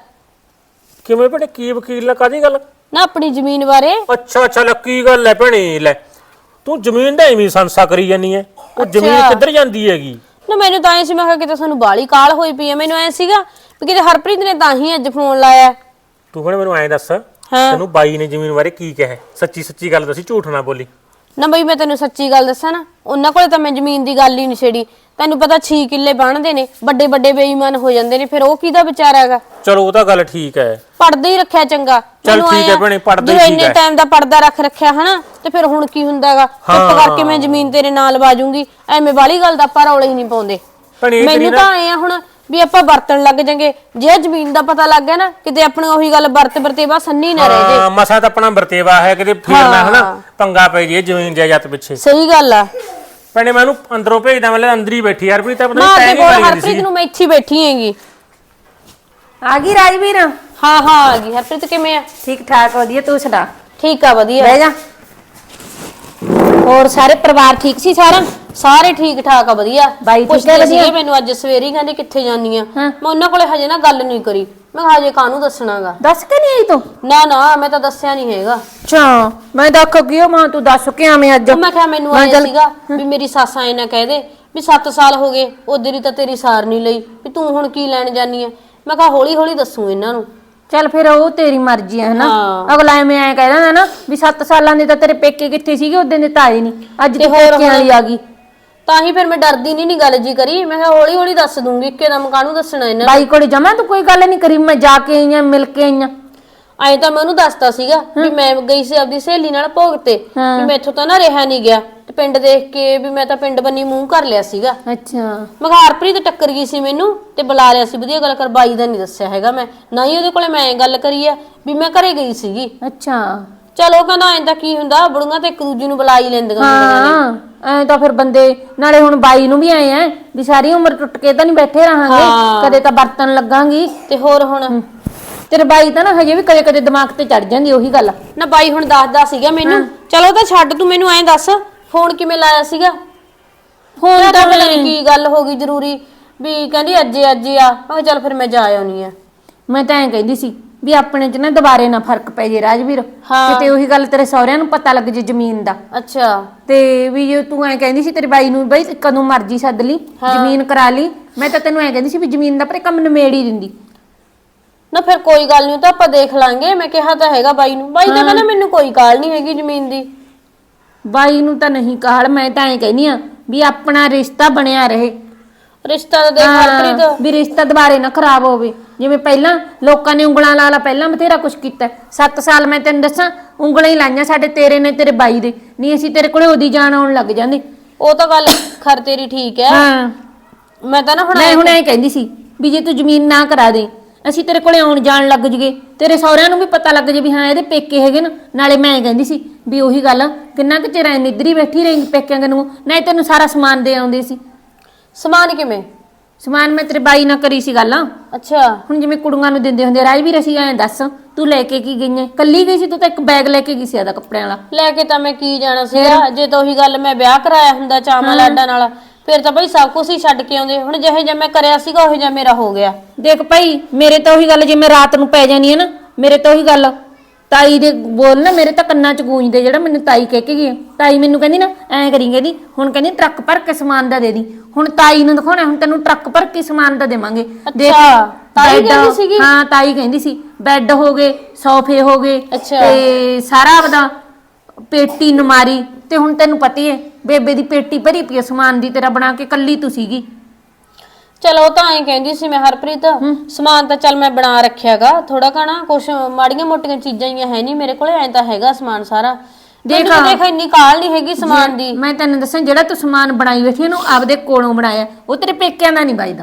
Speaker 4: ਕਿਵੇਂ ਭੈਣੇ? ਕੀ ਵਕੀਲ ਨਾਲ ਕਾਦੀ ਗੱਲ?
Speaker 1: ਨਾ ਆਪਣੀ ਜ਼ਮੀਨ ਬਾਰੇ।
Speaker 4: ਅੱਛਾ ਅੱਛਾ, ਲੈ ਕੀ ਗੱਲ ਐ ਭੈਣੇ? ਲੈ ਤੂੰ ਜ਼ਮੀਨ ਦਾ ਐਵੇਂ ਸੰਸਾ ਕਰੀ ਜਾਨੀ ਐ, ਉਹ ਜ਼ਮੀਨ ਕਿੱਧਰ ਜਾਂਦੀ ਹੈਗੀ?
Speaker 1: ਨਾ ਮੈਨੂੰ ਤਾਂ ਐ ਸੀ, ਮੈਂ ਕਿਹਾ ਕਿਤੇ ਸਾਨੂੰ ਬਾਲੀ ਕਾਲ ਹੋਈ ਪਈ ਐ। ਮੈਨੂੰ ਐ ਸੀਗਾ ਵੀ ਕਿਤੇ ਹਰਪ੍ਰੀਤ ਨੇ ਤਾਂ ਹੀ ਅੱਜ ਫੋਨ ਲਾਇਆ।
Speaker 4: ਤੂੰ ਹੁਣ ਮੈਨੂੰ ਐਂ ਦੱਸ, ਤੈਨੂੰ ਬਾਈ ਨੇ ਜ਼ਮੀਨ ਬਾਰੇ ਕੀ ਕਿਹਾ? ਸੱਚੀ ਸੱਚੀ ਗੱਲ ਦੱਸੀ, ਝੂਠ ਨਾ ਬੋਲੀ।
Speaker 1: ਨਾ ਬਈ ਮੈਂ ਤੈਨੂੰ ਸੱਚੀ ਗੱਲ ਦੱਸਾਂ ਨਾ, ਉਹਨਾਂ ਕੋਲੇ ਤਾਂ ਮੈਂ ਜ਼ਮੀਨ ਦੀ ਗੱਲ ਹੀ ਨਹੀਂ ਛੇੜੀ। ਤੈਨੂੰ ਪਤਾ ਛੇ ਕਿੱਲੇ ਬਣਦੇ ਨੇ, ਵੱਡੇ ਵੱਡੇ ਬੇਈਮਾਨ ਹੋ ਜਾਂਦੇ ਨੇ, ਫਿਰ ਉਹ ਕਿਹਦਾ ਵਿਚਾਰਾ ਹੈਗਾ?
Speaker 4: ਚਲੋ ਉਹ ਤਾਂ ਗੱਲ ਠੀਕ ਹੈ,
Speaker 1: ਪੜਦਾ ਹੀ ਰੱਖਿਆ ਚੰਗਾ।
Speaker 4: ਚੱਲ ਠੀਕ ਹੈ ਭੈਣੇ, ਪੜ੍ਹਦਾ ਹੀ ਠੀਕ ਹੈ।
Speaker 1: ਇੰਨੇ ਟਾਈਮ ਦਾ ਪਰਦਾ ਰੱਖ ਰੱਖਿਆ ਹਨਾ, ਤੇ ਫਿਰ ਹੁਣ ਕੀ ਹੁੰਦਾ ਹੈਗਾ? ਚੁੱਪ ਕਰਕੇ ਮੈਂ ਜ਼ਮੀਨ ਤੇਰੇ ਨਾਲ ਬਾਜੂਗੀ, ਐਵੇਂ ਵਾਲੀ ਗੱਲ ਦਾ ਆਪਾਂ ਰੌਲੇ ਹੀ ਨਹੀਂ ਪਾਉਂਦੇ। ਮੈਨੂੰ ਤਾਂ ਆਏ ਆ ਹੁਣ ਵੀ ਆਪਾਂ ਵਰਤਣ ਲੱਗ ਜਾਂਗੇ। ਜੇ ਜ਼ਮੀਨ ਦਾ ਪਤਾ ਲੱਗ ਗਿਆ ਨਾ, ਕਿਤੇ ਆਪਣੀ ਉਹੀ ਗੱਲ ਵਰਤ ਵਰਤੇਵਾ ਸੰਨੀ ਨਾ ਰਹਿ ਜੇ।
Speaker 4: ਮਸਾ ਤਾਂ ਆਪਣਾ ਵਰਤੇਵਾ ਹੈ, ਕਿਤੇ ਫੇਰਨਾ ਹਨਾ ਪੰਗਾ ਪੈ ਜੇ ਜ਼ਮੀਨ ਜਾਇਦਾਦ ਪਿੱਛੇ।
Speaker 1: ਸਹੀ ਗੱਲ ਆ
Speaker 4: ਭੈਣੇ ਮੈਂ ਉਹਨੂੰ ਅੰਦਰੋਂ ਭੇਜਦਾ, ਮਤਲਬ ਅੰਦਰ ਹੀ ਬੈਠੀ ਯਾਰ, ਤਾਂ ਪਤਾ
Speaker 1: ਨਹੀਂ
Speaker 4: ਟਾਈਮ ਹੀ ਕਰੀ
Speaker 1: ਹਰਪ੍ਰੀਤ ਨੂੰ ਮੈਂ ਇੱਥੇ ਬੈਠੀ ਹੈਗੀ।
Speaker 3: ਆ ਗਈ ਰਾਜਵੀਰ?
Speaker 1: ਹਾਂ ਹਾਂ ਆ ਗਈ। ਹਰਪ੍ਰੀਤ ਕਿਵੇਂ ਆ?
Speaker 3: ਠੀਕ ਠਾਕ ਵਧੀਆ, ਤੂੰ ਸੁਣਾ?
Speaker 1: ਠੀਕ ਆ ਵਧੀਆ।
Speaker 3: ਬਹਿ ਜਾ। ਹੋਰ ਸਾਰੇ ਪਰਿਵਾਰ ਠੀਕ ਸੀ ਸਾਰਾ?
Speaker 1: ਸਾਰੇ ਠੀਕ ਠਾਕ ਆ ਵਧੀਆ।
Speaker 3: ਬਾਈ ਠੀਕ
Speaker 1: ਪੁੱਛਦੇ
Speaker 3: ਹੈ
Speaker 1: ਸੀਗੇ
Speaker 3: ਵਧੀਆ?
Speaker 1: ਮੈਨੂੰ ਅੱਜ ਸਵੇਰੇ ਹੀ, ਕਹਿੰਦੇ ਕਿੱਥੇ ਜਾਨੀ ਆ। ਮੈਂ ਉਹਨਾਂ ਕੋਲੇ ਹਜੇ ਨਾ ਗੱਲ ਨਹੀਂ ਕਰੀ। ਮੈਂ ਕਿਹਾ ਹਜੇ ਕਾਹਨੂੰ ਦੱਸਣਾਗਾ।
Speaker 3: ਦੱਸ ਕੇ ਨਹੀਂ ਆਈ ਤੂੰ?
Speaker 1: ਨਾ ਨਾ ਮੈਂ ਤਾਂ ਦੱਸਿਆ ਨਹੀਂ ਹੈਗਾ।
Speaker 3: ਅੱਛਾ, ਮੈਂ ਦੱਖ ਗਿਓ ਮਾਂ, ਤੂੰ ਦੱਸ ਕੇ ਆਵੇਂ ਅੱਜ?
Speaker 1: ਮੈਂ ਕਿਹਾ ਮੈਨੂੰ ਆਇਆ ਸੀਗਾ ਵੀ ਮੇਰੀ ਸੱਸ ਆਏ ਨਾ ਕਹਿ ਦੇ ਵੀ ਸੱਤ ਸਾਲ ਹੋ ਗਏ ਉਧਰ ਹੀ ਤਾਂ ਤੇਰੀ ਸਾਰ ਨਹੀਂ ਲਈ, ਵੀ ਤੂੰ ਹੁਣ ਕੀ ਲੈਣ ਜਾਨੀ ਆ। ਮੈਂ ਕਿਹਾ ਹੌਲੀ ਹੌਲੀ ਦੱਸੂ ਇਹਨਾਂ ਨੂੰ।
Speaker 3: ਚੱਲ ਫਿਰ ਉਹ ਤੇਰੀ ਮਰਜ਼ੀ ਹੈ ਹਨਾ। ਅਗਲਾ ਐਵੇਂ ਐ ਕਹਿ ਦਿੰਦਾ ਨਾ ਵੀ ਸੱਤ ਸਾਲਾਂ ਦੇ ਤਾਂ ਤੇਰੇ ਪੇਕੇ ਕਿੱਥੇ ਸੀਗੇ, ਉਦੋਂ ਦੇ ਤਾਂ ਆਏ ਨਹੀਂ, ਅੱਜ ਤੇ ਪੇਕਿਆਂ ਵਾਲੀ ਆ ਗਈ।
Speaker 1: ਤਾਂ ਹੀ ਫਿਰ ਮੈਂ ਡਰਦੀ ਨਹੀਂ ਨੀ ਗੱਲ ਜੀ ਕਰੀ। ਮੈਂ ਕਿਹਾ ਹੌਲੀ ਹੌਲੀ ਦੱਸ ਦੂੰਗੀ, ਇੱਕਦਮ ਕਾਹਨੂੰ ਦੱਸਣਾ ਇਹਨਾਂ ਨੂੰ।
Speaker 3: ਬਾਈ ਕੋਲੇ ਜਮਾ ਤੂੰ ਕੋਈ ਗੱਲ ਨਹੀਂ ਕਰੀ? ਮੈਂ ਜਾ ਕੇ ਆਈ ਆਂ, ਮਿਲ ਕੇ ਆਈ ਆਂ।
Speaker 1: ਐਂ ਤਾਂ ਮੈਂ ਉਹਨੂੰ ਦੱਸਤਾ ਸੀਗਾ ਵੀ ਮੈਂ ਗਈ ਸੀ ਆਪਦੀ ਸਹੇਲੀ ਨਾਲ ਭੋਗ ਤੇ, ਵੀ ਮੈਥੋਂ ਤਾਂ ਨਾ ਰਿਹਾ ਨਹੀਂ ਗਿਆ, ਤੇ ਪਿੰਡ ਦੇਖ ਕੇ ਵੀ ਮੈਂ ਤਾਂ ਪਿੰਡ ਬੰਨੀ ਮੂੰਹ ਕਰ ਲਿਆ ਸੀਗਾ।
Speaker 3: ਅੱਛਾ।
Speaker 1: ਮੈਂ ਕਿਹਾ ਹਰਪ੍ਰੀਤ ਟੱਕਰ ਗਈ ਸੀ ਮੈਨੂੰ ਤੇ ਬੁਲਾ ਲਿਆ ਸੀ, ਵਧੀਆ ਗੱਲ ਕਰ। ਬਾਈ ਦਾ ਨਹੀਂ ਦੱਸਿਆ ਹੈਗਾ ਮੈਂ, ਨਾ ਹੀ ਉਹਦੇ ਕੋਲੇ ਮੈਂ ਗੱਲ ਕਰੀ ਆ ਵੀ ਮੈਂ ਘਰੇ ਗਈ ਸੀਗੀ।
Speaker 3: ਅੱਛਾ।
Speaker 1: ਚਲੋ ਕਹਿੰਦਾ ਐਂ ਤਾਂ ਕੀ ਹੁੰਦਾ, ਬੁੜੀਆਂ ਤੇ ਇੱਕ ਦੂਜੀ ਨੂੰ ਬੁਲਾ ਹੀ ਲੈਂਦੀਆਂ।
Speaker 3: ਹਾਂ ਐ ਤਾਂ ਫਿਰ ਬੰਦੇ ਨਾਲੇ ਹੁਣ ਬਾਈ ਨੂੰ ਵੀ ਆਏ ਆ ਵੀ ਸਾਰੀ ਉਮਰ ਟੁੱਟ ਕੇ ਤਾਂ ਨਹੀਂ ਬੈਠੇ ਰਹਾਂਗੇ, ਕਦੇ ਤਾਂ ਬਰਤਨ ਲੱਗਾਂਗੀ।
Speaker 1: ਤੇ ਹੋਰ ਹੁਣ
Speaker 3: ਤੇਰੇ ਬਾਈ ਤਾਂ ਨਾ ਹਜੇ ਵੀ ਕਦੇ ਕਦੇ ਦਿਮਾਗ ਤੇ ਚੜ ਜਾਂਦੀ ਉਹੀ ਗੱਲ
Speaker 1: ਨਾ। ਬਾਈ ਹੁਣ ਦੱਸਦਾ ਸੀਗਾ ਮੈਨੂੰ। ਚਲੋ ਤਾਂ ਛੱਡ, ਤੂੰ ਮੈਨੂੰ ਐਂ ਦੱਸ ਫੋਨ ਕਿਵੇਂ ਲਾਇਆ ਸੀਗਾ?
Speaker 3: ਫੋਨ ਤਾਂ
Speaker 1: ਪਤਾ ਨਹੀਂ ਕੀ ਗੱਲ ਹੋ ਗਈ ਜ਼ਰੂਰੀ, ਵੀ ਕਹਿੰਦੀ ਅੱਜ ਅੱਜ ਆ। ਮੈਂ ਕਿਹਾ ਚੱਲ ਫਿਰ ਮੈਂ ਜਾ ਆਉਣੀ ਆ।
Speaker 3: ਮੈਂ ਤਾਂ ਐਂ ਕਹਿੰਦੀ ਸੀ ਵੀ ਆਪਣੇ ਚ ਨਾ ਦੁਬਾਰੇ ਨਾ ਫਰਕ ਪੈ ਜੇ ਰਾਜਵੀਰ
Speaker 1: ਹਾਂ।
Speaker 3: ਕਿਤੇ ਉਹੀ ਗੱਲ ਤੇਰੇ ਸਹੁਰਿਆਂ ਨੂੰ ਪਤਾ ਲੱਗ ਜੇ ਜ਼ਮੀਨ ਦਾ।
Speaker 1: ਅੱਛਾ
Speaker 3: ਤੇ ਵੀ ਜੇ ਤੂੰ ਐਂ ਕਹਿੰਦੀ ਸੀ ਤੇਰੇ ਬਾਈ ਨੂੰ ਬਈ ਕਦੋਂ ਮਰਜ਼ੀ ਸੱਦ ਲਈ ਜ਼ਮੀਨ ਕਰਾ ਲਈ, ਮੈਂ ਤਾਂ ਤੈਨੂੰ ਐਂ ਕਹਿੰਦੀ ਸੀ ਵੀ ਜ਼ਮੀਨ ਦਾ ਪਰ ਕੰਮ ਨਿਮੇੜ ਹੀ ਦਿੰਦੀ।
Speaker 1: ਨਾ ਫਿਰ ਕੋਈ ਗੱਲ ਨਹੀਂ, ਤਾਂ ਆਪਾਂ ਦੇਖ ਲਾਂਗੇ। ਮੈਂ ਕਿਹਾ ਤਾਂ ਹੈਗਾ ਬਾਈ ਨੂੰ, ਬਾਈ ਤਾਂ ਕਹਿੰਦਾ ਮੈਨੂੰ ਕੋਈ ਕਾਲ ਨਹੀਂ ਹੈਗੀ ਜ਼ਮੀਨ ਦੀ।
Speaker 3: ਬਾਈ ਨੂੰ ਤਾਂ ਨਹੀਂ ਕਾਹਲ, ਮੈਂ ਤਾਂ ਐਂ ਕਹਿੰਦੀ ਆ ਵੀ ਆਪਣਾ ਰਿਸ਼ਤਾ ਬਣਿਆ ਰਹੇ।
Speaker 1: ਰਿਸ਼ਤਾ ਤਾਂ ਦੇਖ ਹਰਪ੍ਰੀਤ,
Speaker 3: ਵੀ ਰਿਸ਼ਤਾ ਦੁਬਾਰੇ ਨਾ ਖਰਾਬ ਹੋਵੇ। ਜਿਵੇਂ ਪਹਿਲਾਂ ਲੋਕਾਂ ਨੇ ਉਂਗਲਾਂ ਲਾ ਲਾ ਪਹਿਲਾਂ ਬਥੇਰਾ ਕੁਛ ਕੀਤਾ। ਸੱਤ ਸਾਲ ਮੈਂ ਤੈਨੂੰ ਦੱਸਾਂ ਉਂਗਲਾਂ ਹੀ ਲਾਈਆਂ ਸਾਡੇ, ਤੇਰੇ ਨੇ ਤੇਰੇ ਬਾਈ ਦੇ, ਨਹੀਂ ਅਸੀਂ ਤੇਰੇ ਕੋਲੇ ਉਹਦੀ ਜਾਣ ਆਉਣ ਲੱਗ ਜਾਂਦੇ।
Speaker 1: ਉਹ ਤਾਂ ਗੱਲ ਖਰ ਤੇਰੀ ਠੀਕ ਹੈ।
Speaker 3: ਹਾਂ
Speaker 1: ਮੈਂ ਤਾਂ ਨਾ ਹੁਣ
Speaker 3: ਮੈਂ ਹੁਣ ਐਂ ਕਹਿੰਦੀ ਸੀ ਵੀ ਜੇ ਤੂੰ ਜ਼ਮੀਨ ਨਾ ਕਰਾ ਦੇ ਅਸੀਂ ਤੇਰੇ ਕੋਲੇ ਆਉਣ ਜਾਣ ਲੱਗ ਜਗੇ, ਤੇਰੇ ਸਹੁਰਿਆਂ ਨੂੰ ਵੀ ਪਤਾ ਲੱਗ ਜੇ ਵੀ ਹਾਂ ਇਹਦੇ ਪੇਕੇ ਹੈਗੇ ਨਾ। ਨਾਲੇ ਮੈਂ ਐਂ ਕਹਿੰਦੀ ਸੀ ਵੀ ਉਹੀ ਗੱਲ ਕਿੰਨਾ ਕੁ ਚਿਰ ਐ ਨਿੱਧਰੀ ਬੈਠੀ ਰਹੀ ਪੇਕਿਆਂ ਨੂੰ, ਨਹੀਂ ਤੈਨੂੰ ਸਾਰਾ ਸਮਾਨ ਦੇ ਆਉਂਦੇ ਸੀ।
Speaker 1: ਸਮਾਨ ਕਿਵੇਂ?
Speaker 3: ਸਮਾਨ ਮੈਂ ਤੇਰੇ ਬਾਈ ਨਾਲ ਕਰੀ ਸੀ ਗੱਲ।
Speaker 1: ਅੱਛਾ
Speaker 3: ਹੁਣ ਜਿਵੇਂ ਕੁੜੀਆਂ ਨੂੰ ਦਿੰਦੇ ਹੁੰਦੇ ਰਾਜਵੀਰ, ਅਸੀਂ ਐਂ ਦੱਸ ਤੂੰ ਲੈ ਕੇ ਕੀ ਗਈ ਐ? ਕੱਲੀ ਗਈ ਸੀ ਤੂੰ ਤਾਂ ਇੱਕ ਬੈਗ ਲੈ ਕੇ ਗਈ ਸੀ ਆਦਾ ਕੱਪੜਿਆਂ ਵਾਲਾ।
Speaker 1: ਲੈ ਕੇ ਤਾਂ ਮੈਂ ਕੀ ਜਾਣਾ ਸੀਗਾ, ਜੇ ਤਾਂ ਉਹੀ ਗੱਲ ਮੈਂ ਵਿਆਹ ਕਰਾਇਆ ਹੁੰਦਾ ਚਾਵਾਂ ਲਾਡਾਂ ਨਾਲ ਫਿਰ ਤਾਂ ਬਈ ਸਭ ਕੁਝ ਹੀ ਛੱਡ ਕੇ ਆਉਂਦੇ। ਹੁਣ ਜਿਹੇ ਜਿਹਾ ਮੈਂ ਕਰਿਆ ਸੀਗਾ ਉਹ ਜਿਹਾ ਮੇਰਾ ਹੋ ਗਿਆ।
Speaker 3: ਦੇਖ ਭਾਈ ਮੇਰੇ ਤਾਂ ਉਹੀ ਗੱਲ, ਜੇ ਮੈਂ ਰਾਤ ਨੂੰ ਪੈ ਜਾਨੀ ਆ ਨਾ ਮੇਰੇ ਤਾਂ ਉਹੀ ਗੱਲ ਤਾਈ ਦੇ ਬੋਲ ਨਾ ਮੇਰੇ ਤਾਂ ਕੰਨਾਂ 'ਚ ਗੂੰਜਦੇ, ਜਿਹੜਾ ਮੈਨੂੰ ਤਾਈ ਕਹਿ ਕੇ ਗਈ। ਤਾਈ ਮੈਨੂੰ ਕਹਿੰਦੀ ਨਾ ਐਂ ਕਰੀ, ਕਹਿੰਦੀ ਹੁਣ ਕਹਿੰਦੀ ਟਰੱਕ ਭਰ ਕੇ ਸਮਾਨ ਦਾ ਦੇ ਦੀ। ਹੁਣ ਤਾਈ ਨੂੰ ਦਿਖਾਉਣਾ, ਹੁਣ ਤੈਨੂੰ ਟਰੱਕ ਭਰ ਕੇ ਸਮਾਨ ਦਾ ਦੇਵਾਂਗੇ।
Speaker 1: ਅੱਛਾ ਤਾਈ
Speaker 3: ਬੈੱਡ-
Speaker 1: ਕਹਿੰਦੀ ਸੀਗੀ?
Speaker 3: ਹਾਂ ਤਾਈ ਕਹਿੰਦੀ ਸੀ ਬੈੱਡ ਹੋ ਗਏ, ਸੋਫੇ ਹੋ ਗਏ,
Speaker 1: ਅੱਛਾ।
Speaker 3: ਤੇ ਸਾਰਾ ਆਪਦਾ ਪੇਟੀ ਨਮਾਰੀ। ਤੇ ਹੁਣ ਤੈਨੂੰ ਪਤਾ ਹੀ ਹੈ ਬੇਬੇ ਦੀ ਪੇਟੀ ਭਰੀ ਪਈ ਸਮਾਨ ਦੀ, ਤੇਰਾ ਬਣਾ ਕੇ ਕੱਲੀ ਤੂੰ ਸੀਗੀ।
Speaker 1: ਚਲੋ ਉਹ ਤਾਂ ਐਂ ਕਹਿੰਦੀ ਸੀ ਮੈਂ ਹਰਪ੍ਰੀਤ, ਸਮਾਨ ਤਾਂ ਚੱਲ ਮੈਂ ਬਣਾ ਰੱਖਿਆਗਾ ਥੋੜਾ ਘਣਾ, ਕੁਛ ਮਾੜੀਆਂ ਮੋਟੀਆਂ ਚੀਜ਼ਾਂ ਹੀ ਹੈ ਨਹੀਂ ਮੇਰੇ ਕੋਲੇ, ਐਂ ਤਾਂ ਹੈਗਾ ਸਮਾਨ ਸਾਰਾ। ਦੇਖ ਦੇਖ ਇੰਨੀ ਕਾਲ ਨਹੀਂ ਹੈਗੀ ਸਮਾਨ ਦੀ।
Speaker 3: ਮੈਂ ਤੈਨੂੰ ਦੱਸਾਂ ਜਿਹੜਾ ਤੂੰ ਸਮਾਨ ਬਣਾਈ ਬੈਠੀ ਇਹਨੂੰ ਆਪਦੇ ਕੋਲੋਂ ਬਣਾਇਆ, ਉਹ ਤੇਰੇ ਪੇਕਿਆਂ ਦਾ ਨਹੀਂ ਵੱਜਦਾ।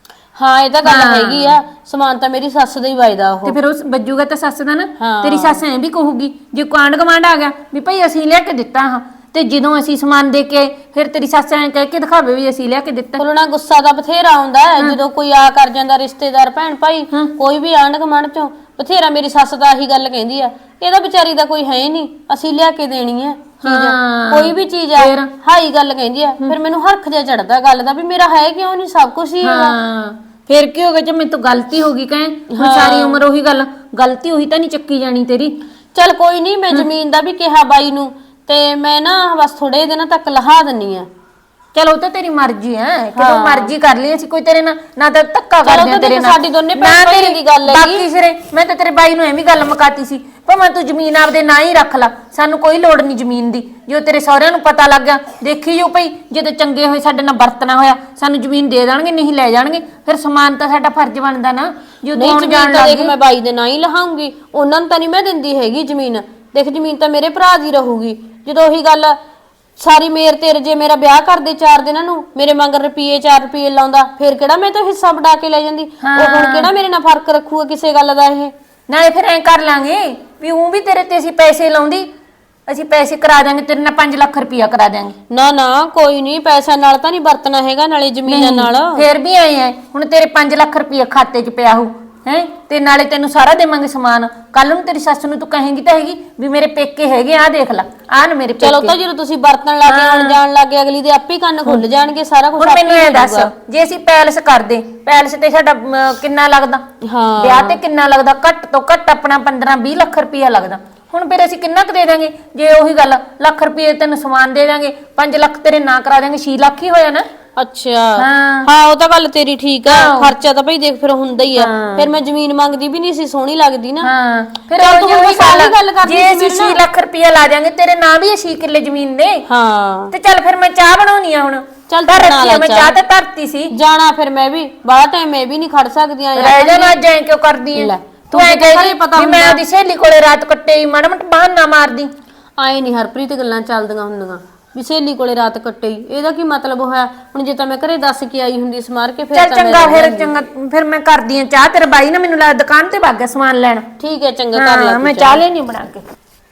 Speaker 1: ਹਾਂ ਇਹ ਤਾਂ ਗੱਲ ਹੈਗੀ ਆ, ਸਮਾਨ ਤਾਂ ਮੇਰੀ ਸੱਸ ਦਾ ਹੀ ਵੱਜਦਾ ਉਹ।
Speaker 3: ਤੇ ਫਿਰ ਉਸ ਵੱਜੂਗਾ ਤਾਂ ਸੱਸ ਦਾ ਨਾ।
Speaker 1: ਹਾਂ।
Speaker 3: ਤੇਰੀ ਸੱਸ ਐਂ ਵੀ ਕਹੂਗੀ ਜੇ ਕਾਂਡ ਕਮਾਂਡ ਆ ਗਿਆ ਵੀ ਭਾਈ ਅਸੀਂ ਲਿਆ ਕੇ ਦਿੱਤਾ ਹਾਂ, ਤੇ ਜਦੋਂ ਅਸੀਂ ਸਮਾਨ ਦੇ ਕੇ ਫਿਰ ਤੇਰੀ ਸੱਸ ਐਂ ਕਹਿ ਕੇ ਦਿਖਾਵੇ ਵੀ ਅਸੀਂ ਲਿਆ ਕੇ ਦਿੱਤਾ।
Speaker 1: ਬੋਲਣਾ ਗੁੱਸਾ ਦਾ ਬਥੇਰਾ ਆਉਂਦਾ ਹੈ ਜਦੋਂ ਕੋਈ ਆ ਕਰ ਜਾਂਦਾ ਰਿਸ਼ਤੇਦਾਰ ਭੈਣ ਭਾਈ, ਕੋਈ ਵੀ ਆਂਢ ਗੁਆਂਢ ਚੋਂ ਬਥੇਰਾ। ਮੇਰੀ ਸੱਸ ਤਾਂ ਆਹੀ ਗੱਲ ਕਹਿੰਦੀ ਆ, ਇਹਦਾ ਵਿਚਾਰੀ ਦਾ ਕੋਈ ਹੈ ਨਹੀਂ, ਅਸੀਂ ਲਿਆ ਕੇ ਦੇਣੀ ਹੈ ਚੀਜ਼, ਕੋਈ ਵੀ ਚੀਜ਼ ਆ ਹਾਈ ਗੱਲ ਕਹਿੰਦੀ ਆ। ਫਿਰ ਮੈਨੂੰ ਹਰਖ ਜਿਹਾ ਚੜਦਾ ਗੱਲ ਦਾ ਵੀ ਮੇਰਾ ਹੈ ਕਿਉਂ ਨਹੀਂ, ਸਭ ਕੁਝ ਹੀ ਹੈਗਾ।
Speaker 3: ਹਾਂ ਫਿਰ ਕੀ ਹੋ ਗਿਆ ਜੇ ਮੈਨੂੰ ਗਲਤੀ ਹੋ ਗਈ ਕਹੇ, ਹੁਣ ਸਾਰੀ ਉਮਰ ਉਹੀ ਗੱਲ, ਗਲਤੀ ਉਹੀ ਤਾਂ ਨਹੀਂ ਚੱਕੀ ਜਾਣੀ ਤੇਰੀ।
Speaker 1: ਚੱਲ ਕੋਈ ਨਹੀਂ, ਮੈਂ ਜ਼ਮੀਨ ਦਾ ਵੀ ਕਿਹਾ ਬਾਈ ਨੂੰ, ਤੇ ਮੈਂ ਨਾ ਬਸ ਥੋੜੇ ਦਿਨਾਂ ਤੱਕ ਲਹਾ ਦਿੰਨੀ ਆ।
Speaker 3: ਚਲੋ ਉਹ ਤਾਂ ਤੇਰੀ ਮਰਜ਼ੀ ਹੈ, ਕਿਦੋਂ ਮਰਜ਼ੀ ਕਰ ਲਈ, ਅਸੀਂ ਕੋਈ ਤੇਰੇ ਨਾਲ ਨਾ ਤਾਂ ਧੱਕਾ
Speaker 1: ਚਲੋ
Speaker 3: ਕਰਦੇ
Speaker 1: ਤਾਂ
Speaker 3: ਤੇਰੇ
Speaker 1: ਦੇਖ
Speaker 3: ਨਾਲ।
Speaker 1: ਸਾਡੀ ਦੋਨੇ ਭੈਣ ਭਾਈਆਂ ਦੀ ਗੱਲ ਹੈਗੀ।
Speaker 3: ਬਾਕੀ ਸਿਰੇ ਮੈਂ ਤਾਂ ਤੇਰੇ ਬਾਈ ਨੂੰ ਐਵੇਂ ਗੱਲ ਮੁਕਾਤੀ ਸੀ ਭਾਵੇਂ ਤੂੰ ਜ਼ਮੀਨ ਆਪਦੇ ਨਾਂ ਹੀ ਰੱਖ ਲੈ, ਸਾਨੂੰ ਕੋਈ ਲੋੜ ਨਹੀਂ ਜ਼ਮੀਨ ਦੀ। ਜੋ ਤੇਰੇ ਸਹੁਰਿਆਂ ਨੂੰ ਪਤਾ ਲੱਗ ਗਿਆ ਦੇਖੀ ਜੋ ਭਈ ਜਦੋਂ ਚੰਗੇ ਹੋਏ ਸਾਡੇ ਨਾਲ ਵਰਤਣਾ ਹੋਇਆ ਸਾਨੂੰ ਜ਼ਮੀਨ ਦੇ ਦੇਣਗੇ, ਨਹੀਂ ਲੈ ਜਾਣਗੇ। ਫਿਰ ਸਮਾਨ ਤਾਂ ਸਾਡਾ ਫਰਜ਼ ਬਣਦਾ ਨਾ। ਜੋ
Speaker 1: ਨਹੀਂ
Speaker 3: ਆਉਣ ਜਾਣ
Speaker 1: ਜ਼ਮੀਨ ਤਾਂ
Speaker 3: ਲੱਗ
Speaker 1: ਦੇਖ ਮੈਂ ਬਾਈ ਦੇ ਨਾਂ ਹੀ ਲਹਾਉਂਗੀ, ਉਹਨਾਂ ਨੂੰ ਤਾਂ ਨਹੀਂ ਮੈਂ ਦਿੰਦੀ ਹੈਗੀ ਜ਼ਮੀਨ। ਦੇਖ ਜ਼ਮੀਨ ਤਾਂ ਮੇਰੇ ਭਰਾ ਦੀ ਰਹੂਗੀ। ਜਦੋਂ ਉਹੀ ਗੱਲ ਸਾਰੀ ਮੇਰ ਤੇਰੇ, ਜੇ ਮੇਰਾ ਵਿਆਹ ਕਰਦੇ ਚਾਰ ਦਿਨਾਂ ਨੂੰ ਮੇਰੇ ਮੰਗਰ ਰੁਪਏ ਚਾਰ ਰੁਪਏ ਲਾਉਂਦਾ, ਫਿਰ ਕਿਹੜਾ ਮੈਂ ਤਾਂ ਹਿੱਸਾ ਵਡਾ ਕੇ ਲੈ ਜਾਂਦੀ। ਉਹ ਹੁਣ ਕਿਹੜਾ ਮੇਰੇ ਨਾਲ ਫਰਕ ਰੱਖੂਗਾ ਕਿਸੇ ਗੱਲ ਦਾ ਇਹ।
Speaker 3: ਨਾਲੇ ਫਿਰ ਐਂ ਕਰ ਲਾਂਗੇ ਵੀ ਉਹ ਵੀ ਤੇਰੇ ਤੇ ਅਸੀਂ ਪੈਸੇ ਲਾਉਂਦੀ, ਅਸੀਂ ਪੈਸੇ ਕਰਾ ਦਾਂਗੇ ਤੇਰੇ ਨਾਲ ਪੰਜ ਲੱਖ ਰੁਪਇਆ ਕਰਾ ਦਾਂਗੇ।
Speaker 1: ਨਾ ਨਾ ਕੋਈ ਨਹੀਂ, ਪੈਸਾ ਨਾਲ ਤਾਂ ਨਹੀਂ ਵਰਤਣਾ ਹੈਗਾ, ਨਾਲੇ ਜ਼ਮੀਨਾਂ ਨਾਲ।
Speaker 3: ਫਿਰ ਵੀ ਆਏ ਐ ਹੁਣ ਤੇਰੇ ਪੰਜ ਲੱਖ ਰੁਪਇਆ ਖਾਤੇ 'ਚ ਪਿਆ ਹੋ ਹੈ, ਤੇ ਨਾਲੇ ਤੈਨੂੰ ਸਾਰਾ ਦੇਵਾਂਗੇ ਸਮਾਨ। ਕੱਲ ਨੂੰ ਤੇਰੀ ਸੱਸ ਨੂੰ ਤੂੰ ਕਹੇਂਗੀ ਤਾਂ ਹੈਗੀ ਵੀ ਮੇਰੇ ਪੇਕੇ ਹੈਗੇ ਆ, ਦੇਖ ਲੈ ਆ ਨਾ ਮੇਰੇ ਪੇਕੇ।
Speaker 1: ਚਲੋ ਤਾਂ ਜਦੋਂ ਤੁਸੀਂ ਵਰਤਣ ਲੱਗ ਗਏ ਆਉਣ ਜਾਣ ਲੱਗ ਗਏ ਅਗਲੀ ਦੇ ਆਪੇ ਕੰਨ ਖੁੱਲ ਜਾਣਗੇ, ਸਾਰਾ ਕੁਝ
Speaker 3: ਹੁਣ ਮੈਨੂੰ ਇਹ ਦੱਸ ਜੇ ਅਸੀਂ ਪੈਲਸ ਕਰਦੇ, ਪੈਲਸ ਤੇ ਸਾਡਾ ਅਮ, ਕਿੰਨਾ ਲੱਗਦਾ?
Speaker 1: ਹਾਂ
Speaker 3: ਵਿਆਹ ਤੇ ਕਿੰਨਾ ਲੱਗਦਾ? ਘੱਟ ਤੋਂ ਘੱਟ ਆਪਣਾ ਪੰਦਰਾਂ ਵੀਹ ਲੱਖ ਰੁਪਇਆ ਲੱਗਦਾ। ਹੁਣ ਫਿਰ ਅਸੀਂ ਕਿੰਨਾ ਕੁ ਦੇ ਦਾਂਗੇ? ਜੇ ਉਹੀ ਗੱਲ ਲੱਖ ਰੁਪਏ ਤੈਨੂੰ ਸਮਾਨ ਦੇ ਦਾਂਗੇ, ਪੰਜ ਲੱਖ ਤੇਰੇ ਨਾਂ ਕਰਾ ਦਾਂਗੇ, ਛੇ ਲੱਖ ਹੀ ਹੋਇਆ ਨਾ।
Speaker 1: ਅੱਛਾ
Speaker 3: ਹਾਂ।
Speaker 1: ਹਾਂ ਉਹ ਤਾਂ ਗੱਲ ਤੇਰੀ ਠੀਕ ਆ, ਖਰਚਾ ਤਾਂ ਭਈ ਦੇਖ ਫਿਰ ਹੁੰਦਾ ਹੀ ਆ। ਫਿਰ ਮੈਂ ਜ਼ਮੀਨ ਮੰਗਦੀ ਵੀ ਨਹੀਂ ਸੀ, ਸੋਹਣੀ ਲੱਗਦੀ ਨਾ।
Speaker 3: ਹਾਂ ਫਿਰ
Speaker 1: ਚੱਲ
Speaker 3: ਉਹ
Speaker 1: ਤੂੰ
Speaker 3: ਜਿਹੀ
Speaker 1: ਹੁਣ ਸਾਰੀ ਗੱਲ ਕਰਦੀ
Speaker 3: ਜੇ
Speaker 1: ਸੀ
Speaker 3: ਅਸੀਂ
Speaker 1: ਮੇਰੇ
Speaker 3: ਛੇ ਲੱਖ ਰੁਪਇਆ ਲਾ ਦਿਆਂਗੇ ਤੇਰੇ ਨਾਂ ਵੀ ਛੇ ਕਿੱਲੇ ਜ਼ਮੀਨ ਦੇ।
Speaker 1: ਹਾਂ
Speaker 3: ਤੇ ਚੱਲ ਫਿਰ ਮੈਂ ਚਾਹ ਬਣਾਉਣੀ ਆ ਹੁਣ।
Speaker 1: ਚੱਲ
Speaker 3: ਧਰ
Speaker 1: ਬਣਾ
Speaker 3: ਰੱਖੀ
Speaker 1: ਲੈ
Speaker 3: ਆ, ਮੈਂ
Speaker 1: ਚਾਹ।
Speaker 3: ਚਾਹ ਤੇ ਧਰਤੀ ਸੀ।
Speaker 1: ਜਾਣਾ ਫਿਰ ਮੈਂ ਵੀ ਬਾਹਲਾ ਟਾਈਮ ਮੈਂ ਵੀ ਨਹੀਂ ਖੜ ਸਕਦੀ ਆ।
Speaker 3: ਰਹਿ ਜਾ ਨਾ, ਜਾਏ ਕਿਉਂ ਕਰਦੀ
Speaker 1: ਲੈ,
Speaker 3: ਐ
Speaker 1: ਤੂੰ
Speaker 3: ਤੂੰ ਐ
Speaker 1: ਤਾਂ
Speaker 3: ਕਹੀ
Speaker 1: ਪਤਾ
Speaker 3: ਵੀ ਮੈਂ
Speaker 1: ਹੁੰਦਾ।
Speaker 3: ਉਹਦੀ ਸਹੇਲੀ ਕੋਲੇ ਰਾਤ ਕੱਟੇ ਮਾੜਾ ਮੋਟਾ ਬਹਾਨਾ ਮਾਰਦੀ।
Speaker 1: ਆਏ ਨਹੀਂ ਹਰਪ੍ਰੀਤ ਗੱਲਾਂ ਚੱਲਦੀਆਂ ਹੁੰਦੀਆਂ ਵੀ ਸਹੇਲੀ ਕੋਲੇ ਰਾਤ ਕੱਟੇ, ਇਹਦਾ ਕੀ ਮਤਲਬ ਹੋਇਆ? ਹੁਣ ਜੇ ਤਾਂ ਮੈਂ ਘਰੇ ਦੱਸ ਕੇ ਆਈ ਹੁੰਦੀ ਸਮਾਰ ਕੇ ਫਿਰ
Speaker 3: ਚੱਲ
Speaker 1: ਤਾਂ
Speaker 3: ਚੰਗਾ,
Speaker 1: ਮੈਂ
Speaker 3: ਫਿਰ
Speaker 1: ਰਹਿ ਜਾਂਦੀ।
Speaker 3: ਚੰਗਾ ਫਿਰ ਮੈਂ ਕਰਦੀ ਆ ਚਾਹ। ਤੇਰਾ ਬਾਈ ਨਾ ਮੈਨੂੰ ਲੱਗ ਦੁਕਾਨ ਤੇ ਭੱਗ ਗਿਆ ਸਮਾਨ ਲੈਣ।
Speaker 1: ਠੀਕ ਹੈ ਚੰਗਾ ਕਰ ਲੈ
Speaker 3: ਹਾਂ
Speaker 1: ਤੂੰ
Speaker 3: ਮੈਂ
Speaker 1: ਚਾਹ।
Speaker 3: ਚਾਹ ਲੈਣੀ ਬਣਾ ਕੇ।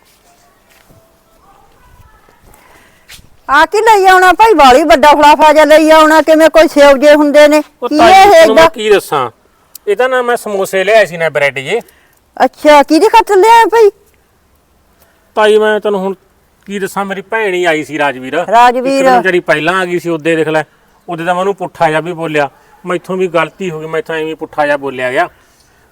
Speaker 2: ਆ ਕੀ ਲਈ ਆਉਣਾ ਭਾਈ? ਵਾਲੀ ਵੱਡਾ ਫਲਾਫਾ ਜਿਹਾ ਲਈ ਆਉਣਾ, ਕਿਵੇਂ ਕੋਈ ਸੇਵ ਜੇ ਹੁੰਦੇ ਨੇ?
Speaker 4: ਉਹ
Speaker 2: ਕੀ
Speaker 4: ਤਾਈ
Speaker 2: ਇਹ
Speaker 4: ਤੈਨੂੰ ਮੈਂ
Speaker 2: ਏਦਾਂ?
Speaker 4: ਕੀ ਦੱਸਾਂ, ਇਹ ਤਾਂ ਨਾ ਮੈਂ ਸਮੋਸੇ ਲਿਆਏ ਸੀ ਨਾ ਬ੍ਰੈਡ ਜੇ।
Speaker 2: ਅੱਛਾ ਕਿਹਦੇ ਖਾਤਰ ਲਿਆ ਭਾਈ?
Speaker 4: ਤਾਈ ਮੈਂ ਤੈਨੂੰ ਹੁਣ ਕੀ ਦੱਸਾਂ, ਮੇਰੀ ਭੈਣ ਹੀ ਆਈ ਸੀ ਰਾਜਵੀਰ।
Speaker 2: ਰਾਜਵੀਰ।
Speaker 4: ਇੱਕ ਦਿਨ ਜਿਹੜੀ ਪਹਿਲਾਂ ਆ ਗਈ ਸੀ ਉਹਦੇ ਦੇਖ ਲੈ, ਉਹਦੇ ਤਾਂ ਮੈਨੂੰ ਪੁੱਠਾ ਜਿਹਾ ਵੀ ਬੋਲਿਆ। ਮੈਥੋਂ ਵੀ ਗਲਤੀ ਹੋ ਗਈ, ਮੈਥੋਂ ਐਵੇਂ ਪੁੱਠਾ ਜਿਹਾ ਬੋਲਿਆ ਗਿਆ।